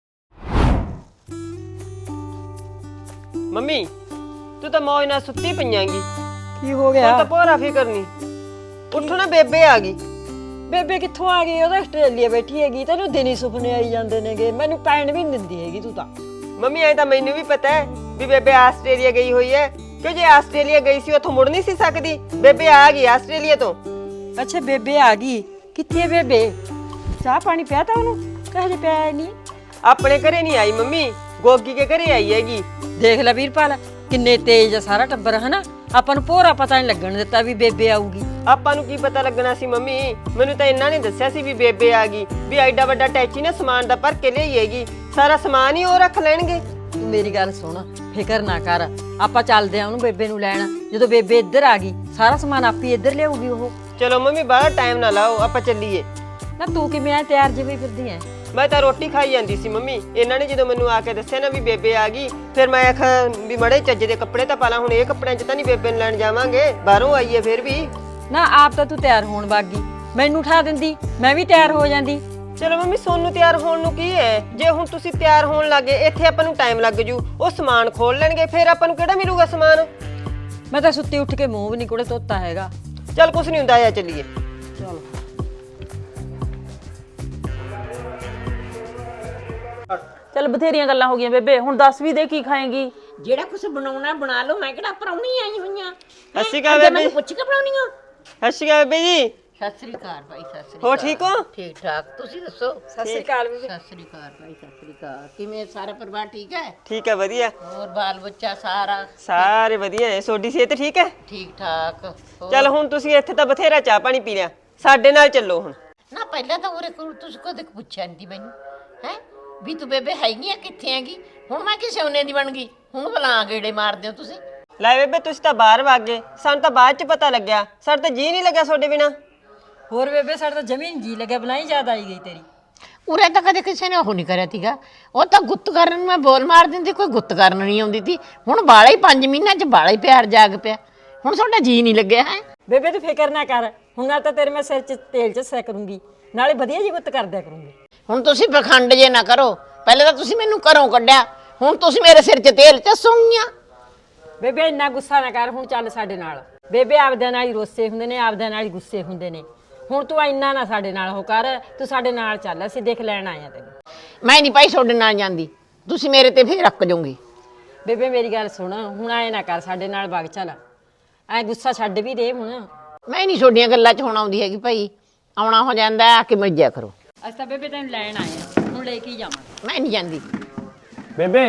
[SPEAKER 6] ਮੰਮੀ ਤੂੰ ਤਾਂ ਮੌਜ ਨਾਲ ਸੁੱਤੀ ਪਈਆਂਗੀ।
[SPEAKER 7] ਕੀ ਹੋ
[SPEAKER 6] ਹੁਣ
[SPEAKER 7] ਗਿਆ?
[SPEAKER 6] ਤਾਂ ਭੋਰਾ ਫਿਕਰ ਨਹੀਂ। ਉੱਠੋ ਨਾ, ਬੇਬੇ ਆ ਗਈ।
[SPEAKER 7] ਬੇਬੇ ਕਿੱਥੋਂ ਆ ਗਈ? ਉਹ ਤਾਂ ਆਸਟ੍ਰੇਲੀਆ ਬੈਠੀ ਹੈਗੀ, ਤੈਨੂੰ ਦਿਨੀ ਸੁਪਨੇ ਆਈ ਜਾਂਦੇ ਨੇਗੇ। ਮੈਨੂੰ ਪੈਣ ਵੀ ਨਹੀਂ ਦਿੰਦੀ ਹੈਗੀ ਤੂੰ ਤਾਂ।
[SPEAKER 6] ਮੰਮੀ ਐ ਤਾਂ ਮੈਨੂੰ ਵੀ ਪਤਾ ਹੈ ਵੀ ਬੇਬੇ ਆਸਟ੍ਰੇਲੀਆ ਗਈ ਹੋਈ ਹੈ, ਕਿਉਂ ਜੇ ਆਸਟ੍ਰੇਲੀਆ ਗਈ ਸੀ ਉੱਥੋਂ ਮੁੜ ਨਹੀਂ ਸੀ ਸਕਦੀ। ਬੇਬੇ ਆ ਗਈ ਆਸਟ੍ਰੇਲੀਆ ਤੋਂ।
[SPEAKER 7] ਅੱਛਾ ਬੇਬੇ ਆ ਗਈ, ਕਿੱਥੇ ਹੈ ਬੇਬੇ? ਚਾਹ ਪਾਣੀ ਪਿਆ ਤਾ ਉਹਨੂੰ? ਕਹੇ ਪਿਆ ਨਹੀਂ?
[SPEAKER 6] ਆਪਣੇ ਘਰੇ ਨਹੀਂ ਆਈ ਮੰਮੀ, ਗੋਗੀ ਕੇ ਘਰੇ ਆਈ ਹੈਗੀ।
[SPEAKER 7] ਦੇਖ ਲੈ ਵੀਰਪਾਲ, ਕਿੰਨੇ ਤੇਜ਼ ਆ ਸਾਰਾ ਟੱਬਰ, ਹਨਾ? ਆਪਾਂ ਨੂੰ ਭੋਰਾ ਪਤਾ ਨਹੀਂ ਲੱਗਣ ਦਿੱਤਾ ਵੀ ਬੇਬੇ ਆਊਗੀ।
[SPEAKER 6] ਆਪਾਂ ਨੂੰ ਕੀ ਪਤਾ ਲੱਗਣਾ ਸੀ ਮੰਮੀ? ਮੈਨੂੰ ਤਾਂ ਇਹਨਾਂ ਨੇ ਦੱਸਿਆ ਸੀ ਵੀ ਬੇਬੇ ਆ ਗਈ, ਵੀ ਐਡਾ ਵੱਡਾ ਟੈਚੀ ਨਾ ਸਮਾਨ ਦਾ ਭਰ ਕੇ ਲਿਆਈਏਗੀ, ਸਾਰਾ ਸਮਾਨ ਹੀ ਉਹ ਰੱਖ ਲੈਣਗੇ।
[SPEAKER 7] ਤੂੰ ਮੇਰੀ ਗੱਲ ਸੁਣ, ਫਿਕਰ ਨਾ ਕਰ, ਆਪਾਂ ਚੱਲਦੇ ਆ ਉਹਨੂੰ ਬੇਬੇ ਨੂੰ ਲੈਣ। ਜਦੋਂ ਬੇਬੇ ਇੱਧਰ ਆ ਗਈ ਸਾਰਾ ਸਮਾਨ ਆਪੀ ਇੱਧਰ ਲਿਆਊਗੀ ਉਹ।
[SPEAKER 6] ਚਲੋ ਮੰਮੀ ਬਾਹਰ ਟਾਈਮ ਨਾ ਲਾਓ, ਆਪਾਂ ਚੱਲੀਏ।
[SPEAKER 7] ਨਾ ਤੂੰ ਕਿਵੇਂ ਆ ਤਿਆਰ ਜਿਵੇਂ ਫਿਰਦੀ ਐ?
[SPEAKER 6] ਮੈਂ ਤਾਂ ਰੋਟੀ ਖਾਈ ਜਾਂਦੀ ਸੀ ਮੰਮੀ, ਇਹਨਾਂ ਨੇ ਜਦੋਂ ਮੈਨੂੰ ਆ ਕੇ ਦੱਸਿਆ ਨਾ ਵੀ ਬੇਬੇ ਆ ਗਈ, ਫਿਰ ਮੈਂ ਆਖਾਂ ਵੀ ਮੜੇ ਚੱਜ ਦੇ ਕੱਪੜੇ ਤਾਂ ਪਾ ਲਾ। ਹੁਣ ਇਹ ਕੱਪੜਿਆਂ 'ਚ ਤਾਂ ਨਹੀਂ ਬੇਬੇ ਨੂੰ ਲੈਣ ਜਾਵਾਂਗੇ, ਬਾਹਰੋਂ ਆਈਏ ਫਿਰ ਵੀ।
[SPEAKER 7] ਨਾ ਆਪ ਤਾਂ ਤੂੰ ਤਿਆਰ ਹੋਣ ਬਾਗੀ, ਮੈਨੂੰ ਉਠਾ ਦਿੰਦੀ, ਮੈਂ ਵੀ ਤਿਆਰ ਹੋ ਜਾਂਦੀ।
[SPEAKER 6] ਚਲੋ ਮੰਮੀ ਸੋਨੂੰ ਤਿਆਰ ਹੋਣ ਨੂੰ ਕੀ ਹੈ? ਜੇ ਹੁਣ ਤੁਸੀਂ ਤਿਆਰ ਹੋਣ ਲੱਗੇ, ਇੱਥੇ ਆਪਾਂ ਨੂੰ ਟਾਈਮ ਲੱਗ ਜੂ। ਉਹ ਸਮਾਨ ਖੋਲ ਲੈਣਗੇ, ਫਿਰ ਆਪਾਂ ਨੂੰ ਕਿਹੜਾ ਮਿਲੂਗਾ ਸਮਾਨ?
[SPEAKER 7] ਮੈਂ ਤਾਂ ਸੁੱਤੀ ਉੱਠ ਕੇ ਮੂੰਹ ਵੀ ਨਹੀਂ ਕੋਲੇ ਧੋਤਾ ਹੈਗਾ।
[SPEAKER 6] ਚੱਲ ਕੁਛ ਨਹੀਂ ਹੁੰਦਾ, ਆ ਚੱਲੀਏ।
[SPEAKER 7] ਚਲੋ
[SPEAKER 4] ਚੱਲ ਬਥੇਰੀਆਂ ਗੱਲਾਂ ਹੋ ਗਈਆਂ ਬੇਬੇ, ਹੁਣ ਦੱਸ ਵੀ ਦੇ ਕੀ ਖਾਏਂਗੀ?
[SPEAKER 1] ਜਿਹੜਾ ਕੁਝ ਬਣਾਉਣਾ ਬਣਾ ਲਓ। ਮੈਂ ਕਿਹੜਾ ਪ੍ਰਾਹੁਣੀ ਆਈ ਹੋਈਆਂ।
[SPEAKER 6] ਸਤਿ ਸ਼੍ਰੀ ਅਕਾਲ
[SPEAKER 1] ਅੱਗੇ
[SPEAKER 6] ਬੇਬੇ।
[SPEAKER 1] ਮੈਨੂੰ ਪੁੱਛ ਕੇ ਬਣਾਉਣੀ ਆ?
[SPEAKER 6] ਸਤਿ ਸ਼੍ਰੀ ਅਕਾਲ ਬੇਬੇ ਜੀ।
[SPEAKER 1] ਸਤਿ ਸ੍ਰੀ ਅਕਾਲ ਭਾਈ। ਸਤਿ ਸ੍ਰੀ
[SPEAKER 6] ਹੋ
[SPEAKER 1] ਅਕਾਲ।
[SPEAKER 6] ਠੀਕ ਹੋ?
[SPEAKER 1] ਠੀਕ ਠਾਕ, ਤੁਸੀਂ ਦੱਸੋ?
[SPEAKER 7] ਸਤਿ ਸ਼੍ਰੀ ਅਕਾਲ ਬੇਬੇ।
[SPEAKER 1] ਸਤਿ ਸ੍ਰੀ ਅਕਾਲ ਭਾਈ। ਸਤਿ ਸ੍ਰੀ ਅਕਾਲ। ਕਿਵੇਂ ਸਾਰਾ ਪਰਿਵਾਰ ਠੀਕ ਹੈ?
[SPEAKER 6] ਠੀਕ ਹੈ, ਵਧੀਆ।
[SPEAKER 1] ਹੋਰ ਬਾਲ ਬੱਚਾ ਸਾਰਾ
[SPEAKER 6] ਸਾਰੇ ਵਧੀਆ ਹੈ। ਤੁਹਾਡੀ ਸਿਹਤ ਠੀਕ ਹੈ?
[SPEAKER 1] ਠੀਕ ਠਾਕ। ਹੋਰ?
[SPEAKER 6] ਚੱਲ ਹੁਣ ਤੁਸੀਂ ਇੱਥੇ ਤਾਂ ਬਥੇਰਾ ਚਾਹ ਪਾਣੀ ਪੀ ਲਿਆ, ਸਾਡੇ ਨਾਲ ਚੱਲੋ ਹੁਣ।
[SPEAKER 1] ਨਾ ਪਹਿਲਾਂ ਤਾਂ ਉਰੇ ਕੋਲ ਤੁਸੀਂ ਕਦੇ ਪੁੱਛਿਆ ਨਹੀਂ ਮੈਨੂੰ, ਹੈ ਵੀ ਤੂੰ ਬੇਬੇ ਹੈਗੀ ਆ, ਕਿੱਥੇ ਹੈਗੀ? ਹੁਣ ਮੈਂ ਕਿਸੇ ਉਹਨੇ ਦੀ ਬਣ ਗਈ, ਹੁਣ ਭਲਾ ਗੇੜੇ ਮਾਰਦੇ ਹੋ ਤੁਸੀਂ।
[SPEAKER 6] ਲੈ ਬੇਬੇ ਤੁਸੀਂ ਤਾਂ ਬਾਹਰ ਵਗ ਗਏ, ਸਾਨੂੰ ਤਾਂ ਬਾਅਦ ਚ ਪਤਾ ਲੱਗਿਆ। ਸਾਡਾ ਤਾਂ ਜੀ ਨਹੀਂ ਲੱਗਿਆ ਤੁਹਾਡੇ ਬਿਨਾ।
[SPEAKER 7] ਹੋਰ ਬੇਬੇ ਸਾਡਾ ਤਾਂ ਜ਼ਮੀਨ ਜੀ ਲੱਗਿਆ, ਬਣਾਈ ਜ਼ਿਆਦਾ ਆਈ ਗਈ ਤੇਰੀ।
[SPEAKER 1] ਉਰੇ ਤਾਂ ਕਦੇ ਕਿਸੇ ਨੇ ਉਹ ਨਹੀਂ ਕਰਿਆ ਤੀਗਾ। ਉਹ ਤਾਂ ਗੁੱਤ ਕਰਨ ਨੂੰ ਮੈਂ ਬੋਲ ਮਾਰ ਦਿੰਦੀ, ਕੋਈ ਗੁੱਤ ਕਰਨ ਨਹੀਂ ਆਉਂਦੀ ਤੀ। ਹੁਣ ਬਾਲਾ ਹੀ ਪੰਜ ਮਹੀਨਿਆਂ ਚ ਬਾਲਾ ਹੀ ਪਿਆਰ ਜਾਗ ਪਿਆ। ਹੁਣ ਤੁਹਾਡਾ ਜੀ ਨਹੀਂ ਲੱਗਿਆ ਹੈ?
[SPEAKER 7] ਬੇਬੇ ਤੂੰ ਫਿਕਰ ਨਾ ਕਰ, ਹੁਣ ਨਾਲ ਤਾਂ ਤੇਰੇ ਮੈਂ ਸਿਰ 'ਚ ਤੇਲ ਚੱਸਿਆ ਕਰੂੰਗੀ, ਨਾਲੇ ਵਧੀਆ ਜੀ ਗੁੱਤ ਕਰਦਿਆ ਕਰੂੰਗੀ।
[SPEAKER 1] ਹੁਣ ਤੁਸੀਂ ਪਖੰਡ ਜੇ ਨਾ ਕਰੋ। ਪਹਿਲੇ ਤਾਂ ਤੁਸੀਂ ਮੈਨੂੰ ਘਰੋਂ ਕੱਢਿਆ, ਹੁਣ ਤੁਸੀਂ ਮੇਰੇ ਸਿਰ 'ਚ ਤੇਲ ਚੱਸੋਗੀਆਂ।
[SPEAKER 7] ਬੇਬੇ ਇੰਨਾ ਗੁੱਸਾ ਨਾ ਕਰ, ਹੁਣ ਚੱਲ ਸਾਡੇ ਨਾਲ। ਬੇਬੇ ਆਪਦਿਆਂ ਨਾਲ ਹੀ ਰੋਸੇ ਹੁੰਦੇ ਨੇ, ਆਪਦਿਆਂ ਨਾਲ ਹੀ ਗੁੱਸੇ ਹੁੰਦੇ ਨੇ। ਹੁਣ ਤੂੰ ਇੰਨਾ ਨਾ ਸਾਡੇ ਨਾਲ ਉਹ ਕਰ, ਤੂੰ ਸਾਡੇ ਨਾਲ ਚੱਲ, ਅਸੀਂ ਦੇਖ ਲੈਣ ਆਏ ਆ ਤੈਨੂੰ।
[SPEAKER 1] ਮੈਂ ਨਹੀਂ ਭਾਈ ਤੁਹਾਡੇ ਨਾਲ ਜਾਂਦੀ, ਤੁਸੀਂ ਮੇਰੇ ਤੇ ਫੇਰ ਰੱਖ ਜਾਓਗੇ।
[SPEAKER 7] ਬੇਬੇ ਮੇਰੀ ਗੱਲ ਸੁਣ, ਹੁਣ ਆਏ ਨਾ ਕਰ, ਸਾਡੇ ਨਾਲ ਵਗ ਚੱਲ। ਐ ਗੁੱਸਾ ਛੱਡ ਵੀ ਦੇ ਹੁਣ।
[SPEAKER 1] ਮੈਂ ਨਹੀਂ ਤੁਹਾਡੀਆਂ ਗੱਲਾਂ 'ਚ ਹੁਣ ਆਉਂਦੀ ਹੈਗੀ ਭਾਈ। ਆਉਣਾ ਹੋ ਜਾਂਦਾ ਆ ਕੇ ਮਿਲ ਕਰੋ।
[SPEAKER 7] ਅਸੀਂ ਤਾਂ ਬੇਬੇ ਤੈਨੂੰ ਲੈਣ ਆਏ ਆ, ਹੁਣ ਲੈ ਕੇ ਹੀ ਜਾਵਾਂਗੇ।
[SPEAKER 1] ਮੈਂ ਨਹੀਂ ਜਾਂਦੀ।
[SPEAKER 5] ਬੇਬੇ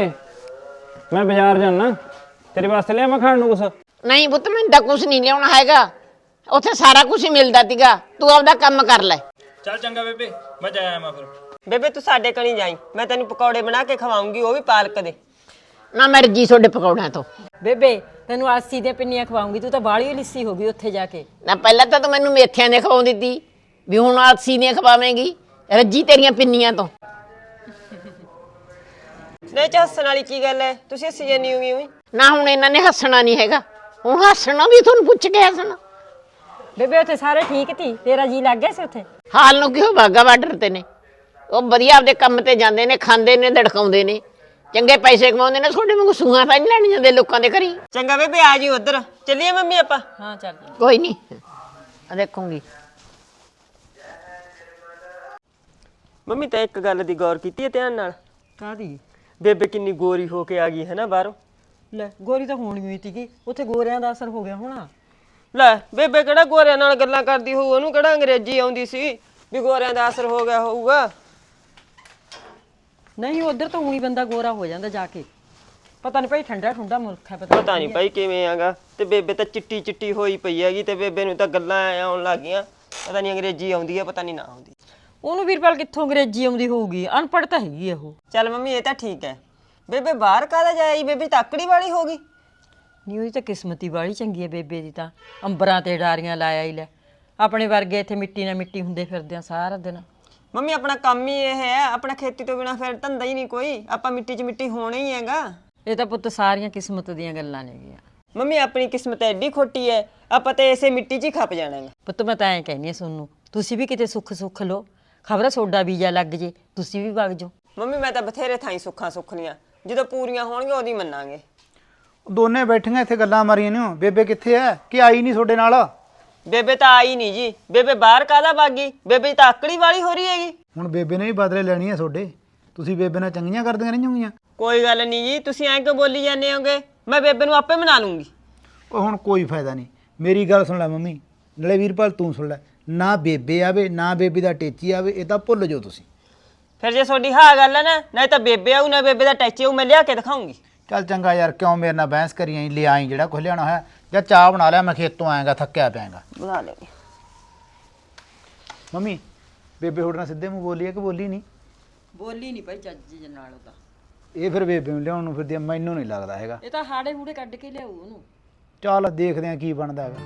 [SPEAKER 5] ਮੈਂ ਬਾਜ਼ਾਰ ਜਾਣਾ, ਤੇਰੇ ਵਾਸਤੇ ਲਿਆਵਾਂ ਖਾਣ ਨੂੰ ਕੁਛ?
[SPEAKER 1] ਨਹੀਂ ਪੁੱਤ, ਮੈਨੂੰ ਤਾਂ ਕੁਝ ਨਹੀਂ ਲਿਆਉਣਾ ਹੈਗਾ। ਉੱਥੇ ਸਾਰਾ ਕੁਝ ਹੀ ਮਿਲਦਾ ਤੀਗਾ, ਤੂੰ ਆਪਦਾ ਕੰਮ ਕਰ ਲੈ।
[SPEAKER 5] ਚੱਲ ਚੰਗਾ ਬੇਬੇ, ਮੈਂ ਜਾ ਆਵਾਂ ਫਿਰ।
[SPEAKER 6] ਬੇਬੇ ਤੂੰ ਸਾਡੇ ਕਣੀ ਜਾਈ, ਮੈਂ ਤੈਨੂੰ ਪਕੌੜੇ ਬਣਾ ਕੇ ਖਵਾਉਂਗੀ, ਉਹ ਵੀ ਪਾਲਕ ਦੇ।
[SPEAKER 1] ਨਾ ਮਰਜੀ ਤੁਹਾਡੇ ਪਕੌੜਿਆਂ ਤੋਂ।
[SPEAKER 7] ਬੇਬੇ ਤੈਨੂੰ ਆਸੀ ਦੀਆਂ ਪਿੰਨੀਆਂ ਖਵਾਉਂਗੀ, ਤੂੰ ਤਾਂ ਬਾਹਲੀ ਲਿੱਸੀ ਹੋ ਗਈ ਉੱਥੇ ਜਾ ਕੇ।
[SPEAKER 1] ਨਾ ਪਹਿਲਾਂ ਤਾਂ ਤੂੰ ਮੈਨੂੰ ਮੇਥਿਆਂ ਦੇ ਖਵਾਉਂਦੀ ਤੀ, ਵੀ ਹੁਣ ਆਲਸੀ ਦੀਆਂ ਖਵਾਵੇਂਗੀ। ਰੱਜੀ ਤੇਰੀਆਂ ਪਿੰਨੀਆਂ ਤੋਂ।
[SPEAKER 6] ਨਹੀਂ ਚ ਹੱਸਣ ਵਾਲੀ ਕੀ ਗੱਲ ਹੈ, ਤੁਸੀਂ ਹੱਸੀ ਜਾਨੀ ਹੋਗੀ ਉਈ।
[SPEAKER 1] ਨਾ ਹੁਣ ਇਹਨਾਂ ਨੇ ਹੱਸਣਾ ਨਹੀਂ ਹੈਗਾ, ਹੁਣ ਹੱਸਣਾ ਵੀ ਤੁਹਾਨੂੰ ਪੁੱਛ ਕੇ ਹੱਸਣਾ।
[SPEAKER 7] ਬੇਬੇ ਉੱਥੇ ਸਾਰੇ ਠੀਕ ਤੀ, ਤੇਰਾ ਜੀ ਲੱਗ ਗਿਆ ਸੀ ਉੱਥੇ?
[SPEAKER 1] ਹਾਲ ਨੂੰ ਕਿਉਂ ਬਾਗਾ ਬਾਰਡਰ ਤੇ ਨੇ, ਉਹ ਵਧੀਆ ਆਪਦੇ ਕੰਮ ਤੇ ਜਾਂਦੇ ਨੇ, ਖਾਂਦੇ ਨੇ, ਧੜਕਾਉਂਦੇ ਨੇ, ਚੰਗੇ ਪੈਸੇ ਕਮਾਉਂਦੇ ਨੇ। ਤੁਹਾਡੇ ਵਾਂਗੂ ਸੂਹਾਂ ਤਾਂ ਨਹੀਂ ਲੈਣ ਜਾਂਦੇ ਲੋਕਾਂ ਦੇ ਘਰੀ।
[SPEAKER 6] ਚੰਗਾ ਬੇਬੇ ਆ ਜੀ ਉਧਰ ਚੱਲੀਏ ਮੰਮੀ ਆਪਾਂ।
[SPEAKER 7] ਹਾਂ ਚੱਲ।
[SPEAKER 1] ਕੋਈ ਨਹੀਂ, ਆ ਦੇਖੂੰਗੀ।
[SPEAKER 6] ਮੰਮੀ ਤਾਂ ਇੱਕ ਗੱਲ ਦੀ ਗੌਰ ਕੀਤੀ ਹੈ ਧਿਆਨ ਨਾਲ?
[SPEAKER 7] ਕਾਦੀ?
[SPEAKER 6] ਬੇਬੇ ਕਿੰਨੀ ਗੋਰੀ ਹੋ ਕੇ ਆ ਗਈ ਹੈ ਨਾ ਬਾਹਰੋਂ।
[SPEAKER 7] ਲੈ ਗੋਰੀ ਤਾਂ ਹੋਣੀ ਹੋਈ ਸੀਗੀ, ਉੱਥੇ ਗੋਰਿਆਂ ਦਾ ਅਸਰ ਹੋ ਗਿਆ ਹੋਣਾ।
[SPEAKER 6] ਲੈ ਬੇਬੇ ਕਿਹੜਾ ਗੋਰਿਆਂ ਨਾਲ ਗੱਲਾਂ ਕਰਦੀ ਹੋਊ, ਉਹਨੂੰ ਕਿਹੜਾ ਅੰਗਰੇਜ਼ੀ ਆਉਂਦੀ ਸੀ ਵੀ ਗੋਰਿਆਂ ਦਾ ਅਸਰ ਹੋ ਗਿਆ ਹੋਊਗਾ।
[SPEAKER 7] ਨਹੀਂ ਉਧਰ ਤਾਂ ਉਹੀ ਬੰਦਾ ਗੋਰਾ ਹੋ ਜਾਂਦਾ ਜਾ ਕੇ। ਪਤਾ ਨਹੀਂ ਭਾਈ ਠੰਡਾ ਠੰਡਾ ਮੁਲਕ ਹੈ, ਪਤਾ
[SPEAKER 6] ਪਤਾ ਨਹੀਂ ਭਾਈ ਕਿਵੇਂ ਆਗਾ। ਤੇ ਬੇਬੇ ਤਾਂ ਚਿੱਟੀ ਚਿੱਟੀ ਹੋਈ ਪਈ ਹੈਗੀ, ਤੇ ਬੇਬੇ ਨੂੰ ਤਾਂ ਗੱਲਾਂ ਆਉਣ ਲੱਗ ਗਈਆਂ। ਪਤਾ ਨਹੀਂ ਅੰਗਰੇਜ਼ੀ ਆਉਂਦੀ ਹੈ, ਪਤਾ ਨਹੀਂ ਨਾ ਆਉਂਦੀ।
[SPEAKER 7] ਉਹਨੂੰ ਵੀਰਪਾਲ ਕਿੱਥੋਂ ਅੰਗਰੇਜ਼ੀ ਆਉਂਦੀ ਹੋਊਗੀ, ਅਨਪੜ੍ਹ ਤਾਂ ਹੈਗੀ ਉਹ।
[SPEAKER 6] ਚੱਲ ਮੰਮੀ ਇਹ ਤਾਂ ਠੀਕ ਹੈ। ਬੇਬੇ ਬਾਹਰ ਕਾਹਦਾ ਜਾਈ, ਬੇਬੇ ਤਾਕੜੀ ਵਾਲੀ ਹੋ ਗਈ।
[SPEAKER 7] ਨਹੀਂ ਉਹਦੀ ਤਾਂ ਕਿਸਮਤੀ ਵਾਲੀ ਚੰਗੀ ਹੈ ਬੇਬੇ ਦੀ, ਤਾਂ ਅੰਬਰਾਂ ਤੇ ਡਾਰੀਆਂ ਲਾਇਆ ਹੀ ਲੈ। ਆਪਣੇ ਵਰਗੇ ਇੱਥੇ ਮਿੱਟੀ ਨਾਲ ਮਿੱਟੀ ਹੁੰਦੇ ਫਿਰਦੇ ਆ ਸਾਰਾ ਦਿਨ।
[SPEAKER 6] ਮੰਮੀ ਆਪਣਾ ਕੰਮ ਹੀ ਇਹ ਹੈ, ਆਪਣਾ ਖੇਤੀ ਤੋਂ ਬਿਨਾ ਫਿਰ ਧੰਦਾ ਹੀ ਨਹੀਂ ਕੋਈ। ਆਪਾਂ ਮਿੱਟੀ 'ਚ ਮਿੱਟੀ ਹੋਣਾ ਹੀ ਹੈਗਾ।
[SPEAKER 7] ਇਹ ਤਾਂ ਪੁੱਤ ਸਾਰੀਆਂ ਕਿਸਮਤ ਦੀਆਂ ਗੱਲਾਂ ਨੇਗੀਆਂ।
[SPEAKER 6] ਮੰਮੀ ਆਪਣੀ ਕਿਸਮਤ ਐਡੀ ਖੋਟੀ ਹੈ, ਆਪਾਂ ਤੇ ਇਸੇ ਮਿੱਟੀ 'ਚ ਹੀ ਖੱਪ ਜਾਣਾ ਹੈ।
[SPEAKER 7] ਪੁੱਤ ਮੈਂ ਤਾਂ ਐਂ ਕਹਿੰਦੀ ਹਾਂ ਸੋਨੂੰ, ਤੁਸੀਂ ਵੀ ਕਿਤੇ ਸੁੱਖ ਸੁੱਖ ਲਓ, ਖਬਰ ਸੋਡਾ ਵੀਜ਼ਾ ਲੱਗ ਜੇ, ਤੁਸੀਂ ਵੀ ਵਗ ਜਾਓ।
[SPEAKER 6] ਮੰਮੀ ਮੈਂ ਤਾਂ ਬਥੇਰੇ ਥਾਈਂ ਸੁੱਖਾਂ ਸੁੱਖ ਲੀਆਂ, ਜਦੋਂ ਪੂਰੀਆਂ ਹੋਣਗੀਆਂ ਉਹਦੀ ਮੰਨਾਂਗੇ।
[SPEAKER 2] ਦੋਨੇ ਬੈਠੀਆਂ ਇੱਥੇ ਗੱਲਾਂ ਮਾਰੀਆਂ ਨੇ। ਬੇਬੇ ਕਿੱਥੇ ਐ ਕਿ ਆਈ ਨਹੀਂ ਤੁਹਾਡੇ ਨਾਲ?
[SPEAKER 6] ਬੇਬੇ ਤਾਂ ਆਈ ਨਹੀਂ ਜੀ। ਬੇਬੇ ਬਾਹਰ ਕਾਹਦਾ ਬਾਗੀ, ਬੇਬੇ ਤਾਂ ਆਕੜੀ ਵਾਲੀ ਹੋ ਰਹੀ ਹੈਗੀ।
[SPEAKER 2] ਹੁਣ ਬੇਬੇ ਨੇ ਵੀ ਬਦਲੇ ਲੈਣੀ ਐ ਤੁਹਾਡੇ। ਤੁਸੀਂ ਬੇਬੇ ਨਾਲ ਚੰਗੀਆਂ ਕਰਦੀਆਂ ਨਹੀਂ ਹੋਈਆਂ।
[SPEAKER 6] ਕੋਈ ਗੱਲ ਨਹੀਂ ਜੀ, ਤੁਸੀਂ ਐਂ ਕਿਉਂ ਬੋਲੀ ਜਾਂਦੇ ਹੋਗੇ? ਮੈਂ ਬੇਬੇ ਨੂੰ ਆਪੇ ਮਨਾ ਲੂੰਗੀ।
[SPEAKER 2] ਉਹ ਹੁਣ ਕੋਈ ਫਾਇਦਾ ਨਹੀਂ। ਮੇਰੀ ਗੱਲ ਸੁਣ ਲੈ ਮੰਮੀ, ਨਾਲੇ ਵੀਰਪਾਲ ਤੂੰ ਸੁਣ ਲੈ। ਨਾ ਬੇਬੇ ਆਵੇ ਨਾ ਬੇਬੇ ਦਾ ਟੇਚੀ ਆਵੇ, ਇਹ ਤਾਂ ਭੁੱਲ ਜਾਓ ਤੁਸੀਂ।
[SPEAKER 6] ਫਿਰ ਜੇ ਤੁਹਾਡੀ ਹਾਂ ਗੱਲ ਹੈ ਨਾ, ਨਾ ਤਾਂ ਬੇਬੇ ਆਊ ਨਾ ਬੇਬੇ ਦਾ ਟੈਚੀ ਆਊ, ਮੈਂ ਲਿਆ ਕੇ ਦਿਖਾਉਂਗੀ।
[SPEAKER 2] ਚੱਲ ਚੰਗਾ ਯਾਰ, ਕਿਉਂ ਮੇਰੇ ਨਾਲ ਬਹਿਸ ਕਰੀ ਆਈ? ਲੈ ਆਈ ਜਿਹੜਾ ਕੁਝ ਲਿਆਉਣਾ ਹੋਇਆ, ਜਾਂ ਚਾਹ ਬਣਾ ਲਿਆ, ਮੈਂ ਖੇਤੋਂ ਆਏਗਾ ਥੱਕਿਆ ਪਿਆਂਗਾ।
[SPEAKER 6] ਬਣਾ ਲੈਂਗੇ।
[SPEAKER 2] ਮੰਮੀ ਬੇਬੇ ਤੁਹਾਡੇ ਨਾਲ ਸਿੱਧੇ ਮੂੰਹ ਬੋਲੀ ਹੈ ਕਿ ਬੋਲੀ ਨਹੀਂ?
[SPEAKER 7] ਬੋਲੀ ਨਹੀਂ ਭਾਈ ਚੱਜ ਜੀ ਨਾਲ ਉਹਦਾ।
[SPEAKER 2] ਇਹ ਫਿਰ ਬੇਬੇ ਨੂੰ ਲਿਆਉਣ ਨੂੰ ਫਿਰਦੀ ਆ, ਮੈਨੂੰ ਨਹੀਂ ਲੱਗਦਾ ਹੈਗਾ।
[SPEAKER 7] ਇਹ ਤਾਂ ਹਾੜੇ ਹੂੜੇ ਕੱਢ ਕੇ ਲਿਆਊ ਉਹਨੂੰ।
[SPEAKER 2] ਚੱਲ ਦੇਖਦੇ ਆ ਕੀ ਬਣਦਾ ਹੈਗਾ।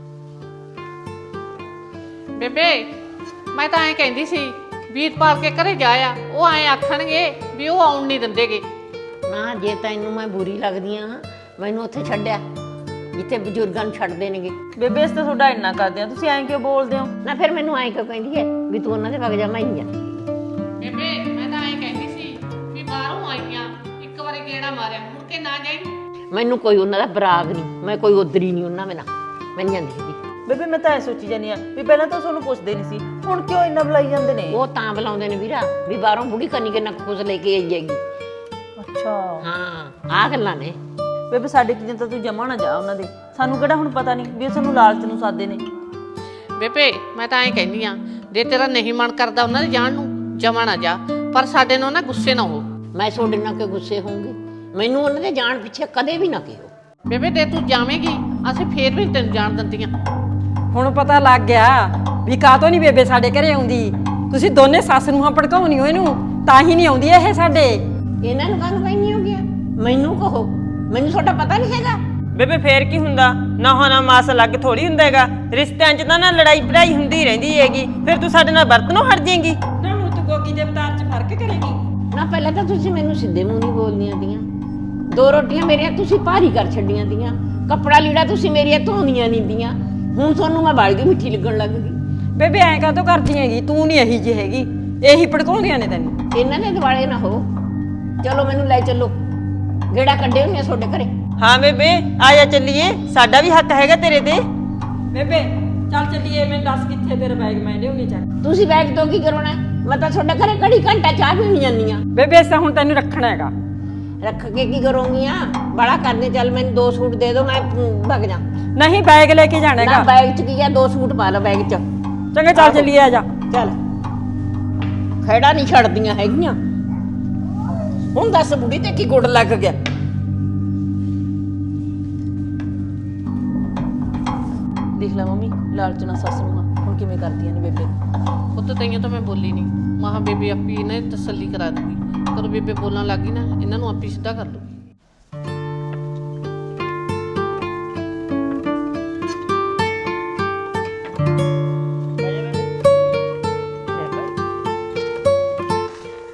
[SPEAKER 3] ਬੇਬੇ ਮੈਂ ਤਾਂ ਐਂ ਕਹਿੰਦੀ ਸੀ ਵੀਰਪਾਲ ਕੇ ਘਰੇ ਜਾਇਆ, ਉਹ ਐਂ ਆਖਣਗੇ ਵੀ ਉਹ ਆਉਣ ਨਹੀਂ ਦਿੰਦੇਗੇ।
[SPEAKER 1] ਨਾ ਜੇ ਤੈਨੂੰ ਮੈਂ ਬੁਰੀ ਲੱਗਦੀ ਆ, ਮੈਨੂੰ ਉੱਥੇ ਛੱਡਿਆ ਜਿੱਥੇ ਬਜ਼ੁਰਗਾਂ ਨੂੰ ਛੱਡਦੇ ਨੇਗੇ।
[SPEAKER 4] ਬੇਬੇ ਇਸ ਤਾਂ ਤੁਹਾਡਾ ਇੰਨਾ ਕਰਦੇ ਆ, ਤੁਸੀਂ ਐਂ ਕਿਉਂ ਬੋਲਦੇ ਹੋ?
[SPEAKER 1] ਨਾ ਫਿਰ ਮੈਨੂੰ ਐਂ ਕਿਉਂ ਕਹਿੰਦੀ ਹੈ ਵੀ ਤੂੰ ਉਹਨਾਂ ਦੇ ਵਗ ਜਾ, ਮੈਂ ਹੀ ਜਾਂਦੀ।
[SPEAKER 3] ਬੇਬੇ ਮੈਂ ਤਾਂ ਐਂ ਕਹਿੰਦੀ ਸੀ ਵੀ ਬਾਹਰੋਂ ਆਈਆਂ, ਇੱਕ ਵਾਰੀ ਗੇੜਾ ਮਾਰਿਆ, ਮੁੜ ਕੇ ਨਾ ਜਾਈ।
[SPEAKER 1] ਮੈਨੂੰ ਕੋਈ ਉਹਨਾਂ ਦਾ ਬਰਾਗ ਨਹੀਂ, ਮੈਂ ਕੋਈ ਉਧਰੀ ਨਹੀਂ ਉਹਨਾਂ ਬਿਨਾਂ, ਮੈਂ ਨਹੀਂ ਜਾਂਦੀ ਹੈਗੀ।
[SPEAKER 4] ਬੇਬੇ ਮੈਂ ਤਾਂ ਐ ਸੋਚੀ ਜਾਂਦੀ ਆ ਵੀ ਪਹਿਲਾਂ ਤਾਂ ਤੁਹਾਨੂੰ ਪੁੱਛਦੇ ਨਹੀਂ ਸੀ, ਹੁਣ ਕਿਉਂ ਇੰਨਾ ਬੁਲਾਈ ਜਾਂਦੇ ਨੇ?
[SPEAKER 1] ਉਹ ਤਾਂ ਬੁਲਾਉਂਦੇ ਨੇ ਵੀਰਾ ਵੀ ਬਾਹਰੋਂ ਬੁੜੀ ਕੰਨੀ ਕਿੰਨਾ ਕੁਝ ਲੈ ਕੇ ਆਈ ਜਾਏਗੀ।
[SPEAKER 4] ਅੱਛਾ
[SPEAKER 1] ਹਾਂ ਆਹ ਗੱਲਾਂ ਨੇ।
[SPEAKER 4] ਬੇਬੇ ਸਾਡੇ ਕਿਤੇ ਤਾਂ ਤੂੰ ਜਮਾ ਨਾ ਜਾ ਉਹਨਾਂ ਦੇ, ਸਾਨੂੰ ਕਿਹੜਾ ਹੁਣ ਪਤਾ ਨਹੀਂ ਵੀ ਉਹ ਸਾਨੂੰ ਲਾਲਚ ਨੂੰ ਸਾਦੇ ਨੇ।
[SPEAKER 3] ਬੇਬੇ ਮੈਂ ਤਾਂ ਐਂ ਕਹਿੰਦੀ ਆ, ਜੇ ਤੇਰਾ ਨਹੀਂ ਮਨ ਕਰਦਾ ਉਹਨਾਂ ਦੇ ਜਾਣ ਨੂੰ, ਜਮਾ ਨਾ ਜਾ, ਪਰ ਸਾਡੇ ਨਾਲ ਨਾ ਗੁੱਸੇ ਨਾ ਹੋ।
[SPEAKER 1] ਮੈਂ ਤੁਹਾਡੇ ਨਾਲ ਕਿ ਗੁੱਸੇ ਹੋਊਂਗੀ? ਮੈਨੂੰ ਉਹਨਾਂ ਦੇ ਜਾਣ ਪਿੱਛੇ ਕਦੇ ਵੀ ਨਾ ਕਿਹੋ।
[SPEAKER 3] ਬੇਬੇ ਜੇ ਤੂੰ ਜਾਵੇਂਗੀ ਅਸੀਂ ਫੇਰ ਵੀ ਤੈਨੂੰ ਜਾਣ ਦਿੰਦੀਆਂ।
[SPEAKER 7] ਹੁਣ ਪਤਾ ਲੱਗ ਗਿਆ ਵੀ ਕਾਹਤੋਂ ਨਹੀਂ ਬੇਬੇ ਸਾਡੇ ਘਰੇ ਆਉਂਦੀ। ਤੁਸੀਂ ਦੋਨੇ ਸੱਸ ਨੂੰ ਹਾਂ ਭੜਕਾਉਣੀ ਹੋ ਇਹਨੂੰ, ਤਾਂ ਹੀ ਨਹੀਂ ਆਉਂਦੀ ਇਹ ਸਾਡੇ।
[SPEAKER 1] ਇਹਨਾਂ ਨੂੰ ਕਾਹਨੂੰ ਕਹਿੰਦੀ ਹੋ ਗਿਆ? ਮੈਨੂੰ ਕਹੋ, ਮੈਨੂੰ ਤੁਹਾਡਾ ਪਤਾ ਨਹੀਂ ਹੈਗਾ।
[SPEAKER 6] ਬੇਬੇ ਫੇਰ ਕੀ ਹੁੰਦਾ, ਨਾ ਹੋਣਾ ਮਾਸ ਅਲੱਗ ਥੋੜੀ ਹੁੰਦਾ ਹੈਗਾ। ਰਿਸ਼ਤਿਆਂ 'ਚ ਤਾਂ ਨਾ ਲੜਾਈ ਪੜਾਈ ਹੁੰਦੀ ਰਹਿੰਦੀ ਹੈਗੀ, ਫਿਰ ਤੂੰ ਸਾਡੇ ਨਾਲ ਵਰਤਨੋਂ ਹਟ ਜਾਏਂਗੀ।
[SPEAKER 7] ਨਾ ਹੁਣ ਤੂੰ ਗੋਗੀ ਦੇ ਅਵਤਾਰ 'ਚ ਫਰਕ ਕਰੇਗੀ।
[SPEAKER 1] ਨਾ ਪਹਿਲਾਂ ਤਾਂ ਤੁਸੀਂ ਮੈਨੂੰ ਸਿੱਧੇ ਮੂੰਹ ਨਹੀਂ ਬੋਲਦੀਆਂ ਦੀਆਂ। ਦੋ ਰੋਟੀਆਂ ਮੇਰੀਆਂ ਤੁਸੀਂ ਭਾਰੀ ਕਰ ਛੱਡੀਆਂ ਦੀਆਂ, ਕੱਪੜਾ ਲੀੜਾ ਤੁਸੀਂ ਮੇਰੀਆਂ ਧੋਂਦੀਆਂ ਨਹੀਂ ਦੀਆਂ। ਹੁਣ ਤੁਹਾਨੂੰ ਮੈਂ ਬਾਲੀ ਦੀ ਮਿੱਠੀ ਲੱਗਣ ਲੱਗ ਗਈ।
[SPEAKER 7] ਬੇਬੇ ਐਂ ਕਾਹਤੋਂ ਕਰਦੀ ਹੈਗੀ, ਤੂੰ ਨਹੀਂ ਇਹੀ ਜਿਹੀ ਹੈਗੀ, ਇਹੀ ਭੜਕਾਉਂਦੀਆਂ ਨੇ ਤੈਨੂੰ।
[SPEAKER 1] ਇਹਨਾਂ ਦੇ ਦਿਵਾਲੇ ਨਾ ਹੋ। ਚਲੋ ਮੈਨੂੰ ਲੈ ਚੱਲੋ, ਗੇੜਾ ਕੱਢੇ ਹੋਈਆਂ ਤੁਹਾਡੇ ਘਰੇ।
[SPEAKER 6] ਹਾਂ ਬੇਬੇ ਆ ਜਾ ਚੱਲੀਏ, ਸਾਡਾ ਵੀ ਹੱਕ ਹੈਗਾ ਤੇਰੇ ਤੇ।
[SPEAKER 7] ਬੇਬੇ ਚੱਲ ਚੱਲੀਏ, ਮੈਨੂੰ ਦੱਸ ਕਿੱਥੇ ਤੇਰਾ ਬੈਗ, ਮੈਂ ਲਿਆਉਣੀ ਚੱਕ।
[SPEAKER 1] ਤੁਸੀਂ ਬੈਗ ਤੋਂ ਕੀ ਕਰੋਣਾ? ਮੈਂ ਤਾਂ ਤੁਹਾਡੇ ਘਰੇ ਘੜੀ ਘੰਟਾ ਚਾਹ ਪੀਣ ਜਾਂਦੀ ਆ।
[SPEAKER 7] ਬੇਬੇ ਇਸ ਤਾਂ ਹੁਣ ਤੈਨੂੰ ਰੱਖਣਾ ਹੈਗਾ।
[SPEAKER 1] ਰੱਖ ਕੇ ਕੀ ਕਰੋਗੀਆਂ? ਬੜਾ ਕਰਦੇ, ਚੱਲ ਮੈਨੂੰ ਦੋ ਸੂਟ ਦੇ ਦਿਓ, ਮੈਂ ਭੱਗ ਜਾ।
[SPEAKER 7] ਨਹੀਂ ਬੈਗ ਲੈ ਕੇ ਜਾਣਾ
[SPEAKER 1] ਨਾ
[SPEAKER 7] ਹੈਗਾ।
[SPEAKER 1] ਬੈਗ ਚ ਕੀ ਆ, ਦੋ ਸੂਟ ਪਾ ਲਓ ਬੈਗ ਚ।
[SPEAKER 7] ਚੰਗਾ ਚੱਲ ਚੱਲੀਏ, ਆ ਜਾ।
[SPEAKER 1] ਚੱਲ ਖੇੜਾ ਨਹੀਂ ਛੱਡਦੀਆਂ ਹੈਗੀਆਂ। ਹੁਣ ਦੱਸ ਬੁੜੀ ਤੇ ਕੀ ਗੁੱਡ ਲੱਗ ਗਿਆ?
[SPEAKER 4] ਦੇਖ ਲੈ ਮੰਮੀ, ਲਾਲਚ ਨਾਲ ਸੱਸ ਨੂੰ ਹੁਣ ਕਿਵੇਂ ਕਰਦੀਆਂ ਨੇ ਬੇਬੇ।
[SPEAKER 3] ਪੁੱਤ ਤਈਆਂ ਤਾਂ ਮੈਂ ਬੋਲੀ ਨਹੀਂ, ਮਾਂ ਬੇਬੇ ਆਪੀ ਇਹਨਾਂ ਦੀ ਤਸੱਲੀ ਕਰਾ ਦੂਗੀ। ਕਦੋਂ ਬੇਬੇ ਬੋਲਣ ਲੱਗੀ ਨਾ, ਇਹਨਾਂ ਨੂੰ ਆਪੀ ਸਿੱਧਾ ਕਰ ਲੂਗੀ।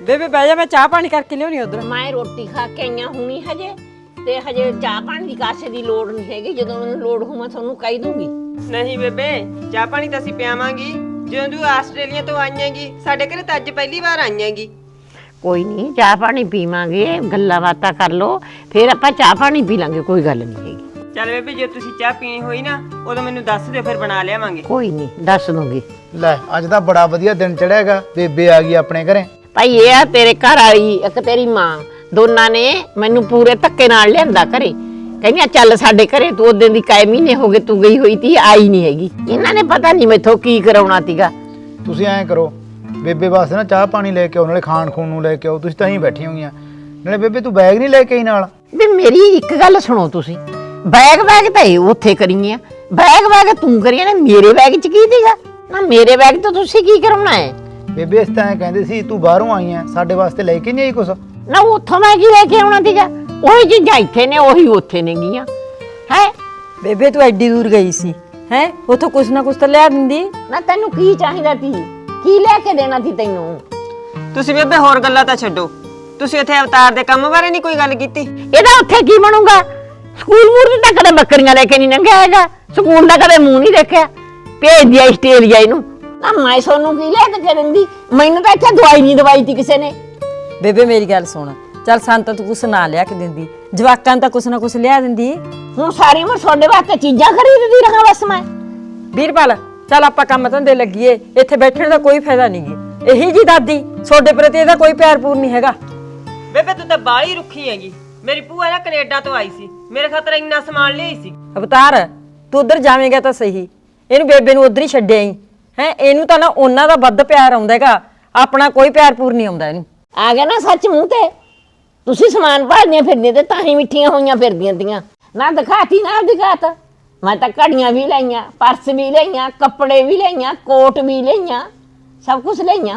[SPEAKER 7] ਬੇਬੇ ਬਹਿ ਜਾ, ਮੈਂ ਚਾਹ ਪਾਣੀ ਕਰਕੇ ਲਿਆਉਣੀ ਉਧਰ।
[SPEAKER 1] ਮੈਂ ਰੋਟੀ ਖਾ ਕੇ ਆਈਆਂ ਹੁਣੀ ਹਜੇ, ਤੇ ਹਜੇ ਚਾਹ ਪਾਣੀ ਦੀ ਕਾਸੇ ਦੀ ਲੋੜ ਨਹੀਂ ਹੈਗੀ। ਜਦੋਂ ਮੈਨੂੰ ਲੋੜ ਹੋਊ ਮੈਂ ਤੁਹਾਨੂੰ ਕਹਿ ਦੂੰਗੀ।
[SPEAKER 6] ਨਹੀਂ ਬੇਬੇ, ਚਾਹ ਪਾਣੀ ਤਾਂ ਅਸੀਂ ਪਿਆਵਾਂਗੀ। ਜਦੋਂ ਤੂੰ ਆਸਟ੍ਰੇਲੀਆ ਤੋਂ ਆਈਆਂਗੀ, ਸਾਡੇ ਘਰੇ ਤਾਂ ਅੱਜ ਪਹਿਲੀ ਵਾਰ ਆਈਆਂਗੀ।
[SPEAKER 1] ਕੋਈ ਨਹੀਂ, ਚਾਹ ਪਾਣੀ ਪੀਵਾਂਗੇ, ਗੱਲਾਂ ਬਾਤਾਂ ਕਰ ਲੋ, ਫਿਰ ਆਪਾਂ ਚਾਹ ਪਾਣੀ ਪੀ ਲਾਂਗੇ, ਕੋਈ ਗੱਲ ਨਹੀਂ ਹੈਗੀ।
[SPEAKER 6] ਚੱਲ ਬੇਬੇ, ਜੇ ਤੁਸੀਂ ਚਾਹ ਪੀਣੀ ਹੋਈ ਨਾ ਉਦੋਂ ਮੈਨੂੰ ਦੱਸ ਦਿਓ, ਫਿਰ ਬਣਾ ਲਿਆਵਾਂਗੇ।
[SPEAKER 1] ਕੋਈ ਨਹੀਂ, ਦੱਸ ਦੂੰਗੀ।
[SPEAKER 2] ਲੈ ਅੱਜ ਤਾਂ ਬੜਾ ਵਧੀਆ ਦਿਨ ਚੜਿਆਗਾ, ਬੇਬੇ ਆ ਗਈ ਆਪਣੇ ਘਰੇ।
[SPEAKER 1] ਭਾਈ ਇਹ ਆ ਤੇਰੇ ਘਰ ਵਾਲੀ, ਇੱਕ ਤੇਰੀ ਮਾਂ, ਦੋਨਾਂ ਨੇ ਮੈਨੂੰ ਪੂਰੇ ਧੱਕੇ ਨਾਲ ਲਿਆਂਦਾ ਘਰੇ। ਕਹਿੰਦੀਆਂ ਚੱਲ ਸਾਡੇ ਘਰੇ, ਤੂੰ ਉਦੋਂ ਦੀ ਕਾਇ ਮਹੀਨੇ ਹੋ ਗਏ ਤੂੰ ਗਈ ਹੋਈ ਤੀ, ਆਈ ਨਹੀਂ ਹੈਗੀ। ਇਹਨਾਂ ਨੇ ਪਤਾ ਨਹੀਂ ਮੈਥੋਂ ਕੀ ਕਰਾਉਣਾ ਤੀਗਾ।
[SPEAKER 2] ਤੁਸੀਂ ਐਂ ਕਰੋ, ਬੇਬੇ ਵਾਸਤੇ ਨਾ ਚਾਹ ਪਾਣੀ ਲੈ ਕੇ ਆਓ, ਨਾਲੇ ਖਾਣ ਖੂਣ ਨੂੰ ਲੈ ਕੇ ਆਓ। ਤੁਸੀਂ ਤਾਂ ਹੀ ਬੈਠੀ ਹੋਈਆਂ, ਨਾਲੇ ਬੇਬੇ ਤੂੰ ਬੈਗ ਨਹੀਂ ਲੈ ਕੇ ਆਈ ਨਾਲ?
[SPEAKER 1] ਵੀ ਮੇਰੀ ਇੱਕ ਗੱਲ ਸੁਣੋ ਤੁਸੀਂ, ਬੈਗ ਬੈਗ ਤਾਂ ਇਹ ਉੱਥੇ ਕਰੀਆਂ, ਬੈਗ ਬੈਗ ਤੂੰ ਕਰੀਆਂ ਨਾ, ਮੇਰੇ ਬੈਗ 'ਚ ਕੀ ਸੀਗਾ ਨਾ? ਮੇਰੇ ਬੈਗ ਤੋਂ ਤੁਸੀਂ ਕੀ ਕਰਾਉਣਾ ਹੈ?
[SPEAKER 2] ਬੇਬੇ ਇਸ ਤਾਂ ਐਂ ਕਹਿੰਦੇ ਸੀ ਤੂੰ ਬਾਹਰੋਂ ਆਈ ਐ, ਸਾਡੇ ਵਾਸਤੇ ਲੈ ਕੇ ਨਹੀਂ ਆਈ ਕੁਛ?
[SPEAKER 1] ਨਾ ਉੱਥੋਂ ਮੈਂ ਕੀ ਲੈ ਕੇ ਆਉਣਾ ਸੀਗਾ? ਉਹੀ ਚੀਜ਼ਾਂ ਇੱਥੇ ਨੇ, ਉਹੀ ਉੱਥੇ ਨੇ ਗੀਆਂ ਹੈ।
[SPEAKER 7] ਬੇਬੇ ਤੂੰ ਐਡੀ ਦੂਰ ਗਈ ਸੀ ਹੈ, ਉਥੋਂ ਕੁਛ ਨਾ ਕੁਛ ਤਾਂ ਲਿਆ ਦਿੰਦੀ।
[SPEAKER 1] ਨਾ ਤੈਨੂੰ ਕੀ ਚਾਹੀਦਾ ਸੀ? ਕੀ ਲੈ ਕੇ ਦੇਣਾ ਸੀ ਤੈਨੂੰ?
[SPEAKER 6] ਤੁਸੀਂ ਬੇਬੇ ਹੋਰ ਗੱਲਾਂ ਤਾਂ ਛੱਡੋ, ਤੁਸੀਂ ਇੱਥੇ ਅਵਤਾਰ ਦੇ ਕੰਮ ਬਾਰੇ ਨਹੀਂ ਕੋਈ ਗੱਲ ਕੀਤੀ?
[SPEAKER 1] ਇਹਦਾ ਉੱਥੇ ਕੀ ਬਣੂਗਾ? ਸਕੂਲ ਮੂਰ ਤਾਂ ਕਦੇ ਬੱਕਰੀਆਂ ਲੈ ਕੇ ਨਹੀਂ ਲੰਘਿਆ ਹੈਗਾ, ਸਕੂਲ ਦਾ ਕਦੇ ਮੂੰਹ ਨਹੀਂ ਦੇਖਿਆ। ਭੇਜ ਦਿਆ ਆਸਟ੍ਰੇਲੀਆ ਇਹਨੂੰ। ਨਾ ਮੈਂ ਸੋਨੂੰ ਕੀ ਲੈ ਕੇ ਦਿੰਦੀ? ਮੈਨੂੰ ਤਾਂ ਇੱਥੇ ਦਵਾਈ ਨਹੀਂ ਦਵਾਈ ਤੀ ਕਿਸੇ ਨੇ।
[SPEAKER 7] ਬੇਬੇ ਮੇਰੀ ਗੱਲ ਸੁਣ, ਚੱਲ ਸੰਤ ਤੂੰ ਕੁਛ ਨਾ ਲਿਆ ਕੇ ਦਿੰਦੀ, ਜਵਾਕਾਂ ਨੂੰ ਤਾਂ ਕੁਛ ਨਾ ਕੁਛ ਲਿਆ ਦਿੰਦੀ।
[SPEAKER 1] ਹੁਣ ਸਾਰੀ ਉਮਰ ਤੁਹਾਡੇ ਵਾਸਤੇ ਚੀਜ਼ਾਂ ਖਰੀਦਦੀ ਰਹਾ ਬਸ ਮੈਂ।
[SPEAKER 7] ਵੀਰਪਾਲ ਚੱਲ ਆਪਾਂ ਕੰਮ ਧੰਦੇ ਲੱਗੀਏ, ਇੱਥੇ ਬੈਠਣ ਦਾ ਕੋਈ ਫਾਇਦਾ ਨਹੀਂ ਗੀ। ਇਹੀ ਜੀ ਦਾਦੀ, ਤੁਹਾਡੇ ਪ੍ਰਤੀ ਇਹਦਾ ਕੋਈ ਪਿਆਰ ਪੂਰ ਨਹੀਂ ਹੈਗਾ।
[SPEAKER 6] ਬੇਬੇ ਤੂੰ ਤਾਂ ਬਾਹਲੀ ਰੁੱਖੀ ਹੈਗੀ। ਮੇਰੀ ਭੂਆ ਨਾ ਕੈਨੇਡਾ ਤੋਂ ਆਈ ਸੀ, ਮੇਰੇ ਖਾਤਰ ਇੰਨਾ ਸਮਾਨ ਲਿਆਈ ਸੀ।
[SPEAKER 7] ਅਵਤਾਰ ਤੂੰ ਉਧਰ ਜਾਵੇਂਗਾ ਤਾਂ ਸਹੀ, ਇਹਨੂੰ ਬੇਬੇ ਨੂੰ ਉਧਰ ਹੀ ਛੱਡਿਆ ਹੀ ਹੈ। ਇਹਨੂੰ ਤਾਂ ਨਾ ਉਹਨਾਂ ਦਾ ਵੱਧ ਪਿਆਰ ਆਉਂਦਾ ਹੈਗਾ, ਆਪਣਾ ਕੋਈ ਪਿਆਰ ਪੂਰ ਨਹੀਂ ਆਉਂਦਾ ਇਹਨੂੰ।
[SPEAKER 1] ਆ ਗਿਆ ਨਾ ਸੱਚ ਮੂੰਹ ਤੇ। ਤੁਸੀਂ ਸਮਾਨ ਭਾਲਦੀਆਂ ਫਿਰਦੀਆਂ ਤੇ ਤਾਂ ਹੀ ਮਿੱਠੀਆਂ ਹੋਈਆਂ ਫਿਰਦੀਆਂ ਤੀਆਂ। ਨਾ ਦਿਖਾਤੀ ਨਾ ਦਿਖਾਤ। ਮੈਂ ਤਾਂ ਘੜੀਆਂ ਵੀ ਲਈਆਂ, ਪਰਸ ਵੀ ਲਈਆਂ, ਕੱਪੜੇ ਵੀ ਲਈਆਂ, ਕੋਟ ਵੀ ਲਈਆਂ, ਸਭ ਕੁਝ ਲਈਆਂ।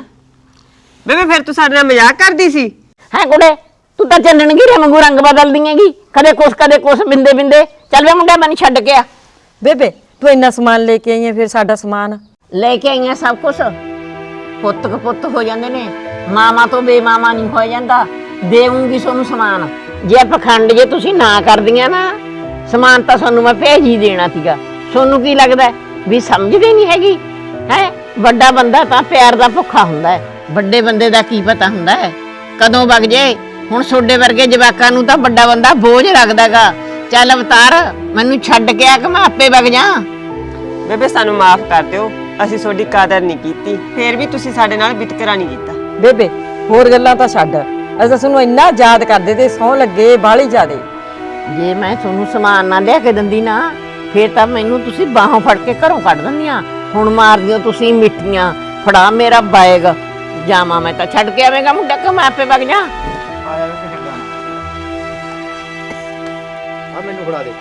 [SPEAKER 6] ਬੇਬੇ ਫਿਰ ਤੂੰ ਸਾਡੇ ਨਾਲ ਮਜ਼ਾਕ ਕਰਦੀ ਸੀ?
[SPEAKER 1] ਹੈ ਕੁੜੇ, ਤੂੰ ਤਾਂ ਚੰਨਣ ਘੀਰੇ ਵਾਂਗੂ ਰੰਗ ਬਦਲਦੀ ਹੈਗੀ, ਕਦੇ ਕੁਛ ਕਦੇ ਕੁਛ, ਬਿੰਦੇ ਬਿੰਦੇ। ਚੱਲ ਵੇ ਮੁੰਡਾ ਮੈਨੂੰ ਛੱਡ ਕੇ ਆ।
[SPEAKER 7] ਬੇਬੇ ਤੂੰ ਇੰਨਾ ਸਮਾਨ ਲੈ ਕੇ ਆਈ ਹੈ, ਫਿਰ ਸਾਡਾ ਸਮਾਨ
[SPEAKER 1] ਲੈ ਕੇ ਆਈਆਂ ਸਭ ਕੁਛ। ਪੁੱਤ ਕਪੁੱਤ ਹੋ ਜਾਂਦੇ ਨੇ, ਮਾਮਾ ਤੋਂ ਬੇਮਾਮਾ ਨਹੀਂ ਹੋ ਜਾਂਦਾ। ਦੇਵਾਂਗੀ ਤੁਹਾਨੂੰ ਸਮਾਨ, ਜੇ ਪਖੰਡ ਜੇ ਤੁਸੀਂ ਨਾ ਕਰਦੀਆਂ ਨਾ, ਸਮਾਨ ਤਾਂ ਤੁਹਾਨੂੰ ਮੈਂ ਭੇਜ ਹੀ ਦੇਣਾ ਸੀਗਾ। ਤੁਹਾਨੂੰ ਕੀ ਲੱਗਦਾ ਵੀ ਸਮਝਦੀ ਨਹੀਂ ਹੈਗੀ ਹੈ? ਵੱਡਾ ਬੰਦਾ ਤਾਂ ਪਿਆਰ ਦਾ ਭੁੱਖਾ ਹੁੰਦਾ ਹੈ, ਵੱਡੇ ਬੰਦੇ ਦਾ ਕੀ ਪਤਾ ਹੁੰਦਾ ਹੈ ਕਦੋਂ ਵਗ ਜੇ। ਹੁਣ ਛੋਡੇ ਵਰਗੇ ਜਵਾਕਾਂ ਨੂੰ ਤਾਂ ਵੱਡਾ ਬੰਦਾ ਬੋਝ ਰੱਖਦਾਗਾ। ਚੱਲ ਅਵਤਾਰ, ਮੈਨੂੰ ਛੱਡ ਕੇ ਆ ਕਿ ਮੈਂ ਆਪੇ ਵਗ ਜਾ।
[SPEAKER 6] ਬੇਬੇ ਸਾਨੂੰ ਮਾਫ ਕਰ ਦਿਓ, ਅਸੀਂ ਤੁਹਾਡੀ ਕਦਰ ਨਹੀਂ ਕੀਤੀ, ਫੇਰ ਵੀ ਤੁਸੀਂ ਸਾਡੇ ਨਾਲ ਵਿਤਕਰਾ ਨਹੀਂ ਕੀਤਾ।
[SPEAKER 7] ਬੇਬੇ ਹੋਰ ਗੱਲਾਂ ਤਾਂ ਛੱਡ, ਅਸੀਂ ਤਾਂ ਤੁਹਾਨੂੰ ਇੰਨਾ ਯਾਦ ਕਰਦੇ ਤੇ ਸਹੁੰ ਲੱਗੇ ਬਾਹਲੀ ਜ਼ਿਆਦੇ।
[SPEAKER 1] ਜੇ ਮੈਂ ਤੁਹਾਨੂੰ ਸਮਾਨ ਨਾ ਲਿਆ ਕੇ ਦਿੰਦੀ ਨਾ, ਫੇਰ ਤਾਂ ਮੈਨੂੰ ਤੁਸੀਂ ਬਾਹੋਂ ਫੜ ਕੇ ਘਰੋਂ ਕੱਢ ਦਿੰਦੀਆਂ। ਹੁਣ ਮਾਰਦੀਆਂ ਤੁਸੀਂ ਮਿੱਠੀਆਂ। ਫੜਾ ਮੇਰਾ ਬੈਗ, ਜਾਵਾਂ ਮੈਂ ਤਾਂ। ਛੱਡ ਕੇ ਆਵੇਂਗਾ ਮੁੰਡਾ ਕਿ ਮੈਂ ਆਪੇ ਵਗ ਜਾ?
[SPEAKER 2] ਆਇਆ ਵੇ ਕਿਸੇ ਆ ਮੈਨੂੰ ਫੜਾ ਦੇ।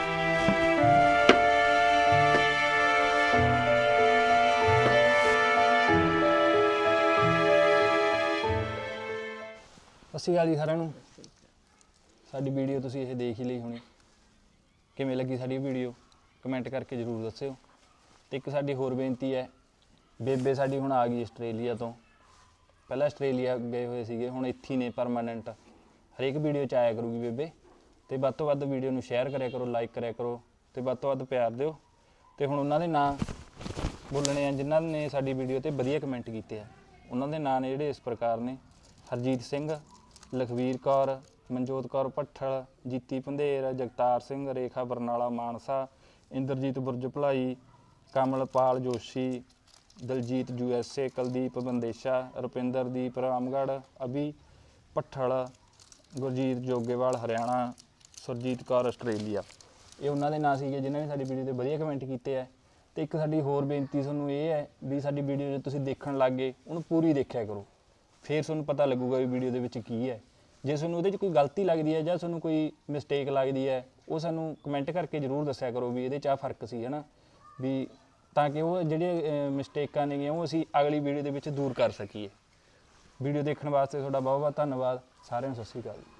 [SPEAKER 5] ਸਤਿ ਸ਼੍ਰੀ ਅਕਾਲ ਜੀ ਸਾਰਿਆਂ ਨੂੰ। ਸਾਡੀ ਵੀਡੀਓ ਤੁਸੀਂ ਇਹ ਦੇਖ ਹੀ ਲਈ ਹੋਣੀ, ਕਿਵੇਂ ਲੱਗੀ ਸਾਡੀ ਵੀਡੀਓ ਕਮੈਂਟ ਕਰਕੇ ਜ਼ਰੂਰ ਦੱਸਿਓ। ਤੇ ਇੱਕ ਸਾਡੀ ਹੋਰ ਬੇਨਤੀ ਹੈ, ਬੇਬੇ ਸਾਡੀ ਹੁਣ ਆ ਗਈ ਆਸਟ੍ਰੇਲੀਆ ਤੋਂ। ਪਹਿਲਾਂ ਆਸਟ੍ਰੇਲੀਆ ਗਏ ਹੋਏ ਸੀਗੇ, ਹੁਣ ਇੱਥੇ ਹੀ ਨੇ ਪਰਮਾਨੈਂਟ। ਹਰੇਕ ਵੀਡੀਓ 'ਚ ਆਇਆ ਕਰੂਗੀ ਬੇਬੇ। ਤੇ ਵੱਧ ਤੋਂ ਵੱਧ ਵੀਡੀਓ ਨੂੰ ਸ਼ੇਅਰ ਕਰਿਆ ਕਰੋ, ਲਾਈਕ ਕਰਿਆ ਕਰੋ, ਤੇ ਵੱਧ ਤੋਂ ਵੱਧ ਪਿਆਰ ਦਿਓ। ਤੇ ਹੁਣ ਉਹਨਾਂ ਦੇ ਨਾਂ ਬੋਲਣੇ ਆ ਜਿਨ੍ਹਾਂ ਨੇ ਸਾਡੀ ਵੀਡੀਓ ਤੇ ਵਧੀਆ ਕਮੈਂਟ ਕੀਤੇ ਆ। ਉਹਨਾਂ ਦੇ ਨਾਂ ਨੇ ਜਿਹੜੇ ਇਸ ਪ੍ਰਕਾਰ ਨੇ: ਹਰਜੀਤ ਸਿੰਘ, ਲਖਵੀਰ ਕੌਰ, ਮਨਜੋਤ ਕੌਰ ਭੱਠਲ, ਜੀਤੀ ਭੰਦੇਰ, ਜਗਤਾਰ ਸਿੰਘ, ਰੇਖਾ Barnala Mansa, Inderjit Burj Bhalai, Kamalpal Joshi, Daljit U S A, Kuldeep Bandesha, Rupinderdeep Ramgarh, Abhi Bhathal, Gurjeet Jogewal Haryana, Surjit Kaur Australia. ਇਹ ਉਹਨਾਂ ਦੇ ਨਾਂ ਸੀਗੇ ਜਿਨ੍ਹਾਂ ਨੇ ਸਾਡੀ ਵੀਡੀਓ ਤੇ ਵਧੀਆ ਕਮੈਂਟ ਕੀਤੇ ਹੈ। ਤੇ ਇੱਕ ਸਾਡੀ ਹੋਰ ਬੇਨਤੀ ਤੁਹਾਨੂੰ ਇਹ ਹੈ ਵੀ ਸਾਡੀ ਵੀਡੀਓ ਜੇ ਤੁਸੀਂ ਦੇਖਣ ਲੱਗ ਗਏ, ਉਹਨੂੰ ਪੂਰੀ ਦੇਖਿਆ ਕਰੋ, ਫਿਰ ਤੁਹਾਨੂੰ ਪਤਾ ਲੱਗੂਗਾ ਵੀ ਵੀਡੀਓ ਦੇ ਵਿੱਚ ਕੀ ਹੈ। ਜੇ ਤੁਹਾਨੂੰ ਉਹਦੇ 'ਚ ਕੋਈ ਗਲਤੀ ਲੱਗਦੀ ਹੈ ਜਾਂ ਤੁਹਾਨੂੰ ਕੋਈ ਮਿਸਟੇਕ ਲੱਗਦੀ ਹੈ, ਉਹ ਸਾਨੂੰ ਕਮੈਂਟ ਕਰਕੇ ਜ਼ਰੂਰ ਦੱਸਿਆ ਕਰੋ ਵੀ ਇਹਦੇ 'ਚ ਆਹ ਫਰਕ ਸੀ, ਹੈ ਨਾ, ਵੀ ਤਾਂ ਕਿ ਉਹ ਜਿਹੜੀਆਂ ਮਿਸਟੇਕਾਂ ਨੇਗੀਆਂ ਉਹ ਅਸੀਂ ਅਗਲੀ ਵੀਡੀਓ ਦੇ ਵਿੱਚ ਦੂਰ ਕਰ ਸਕੀਏ। ਵੀਡੀਓ ਦੇਖਣ ਵਾਸਤੇ ਤੁਹਾਡਾ ਬਹੁਤ ਬਹੁਤ ਧੰਨਵਾਦ। ਸਾਰਿਆਂ ਨੂੰ ਸਤਿ ਸ਼੍ਰੀ ਅਕਾਲ।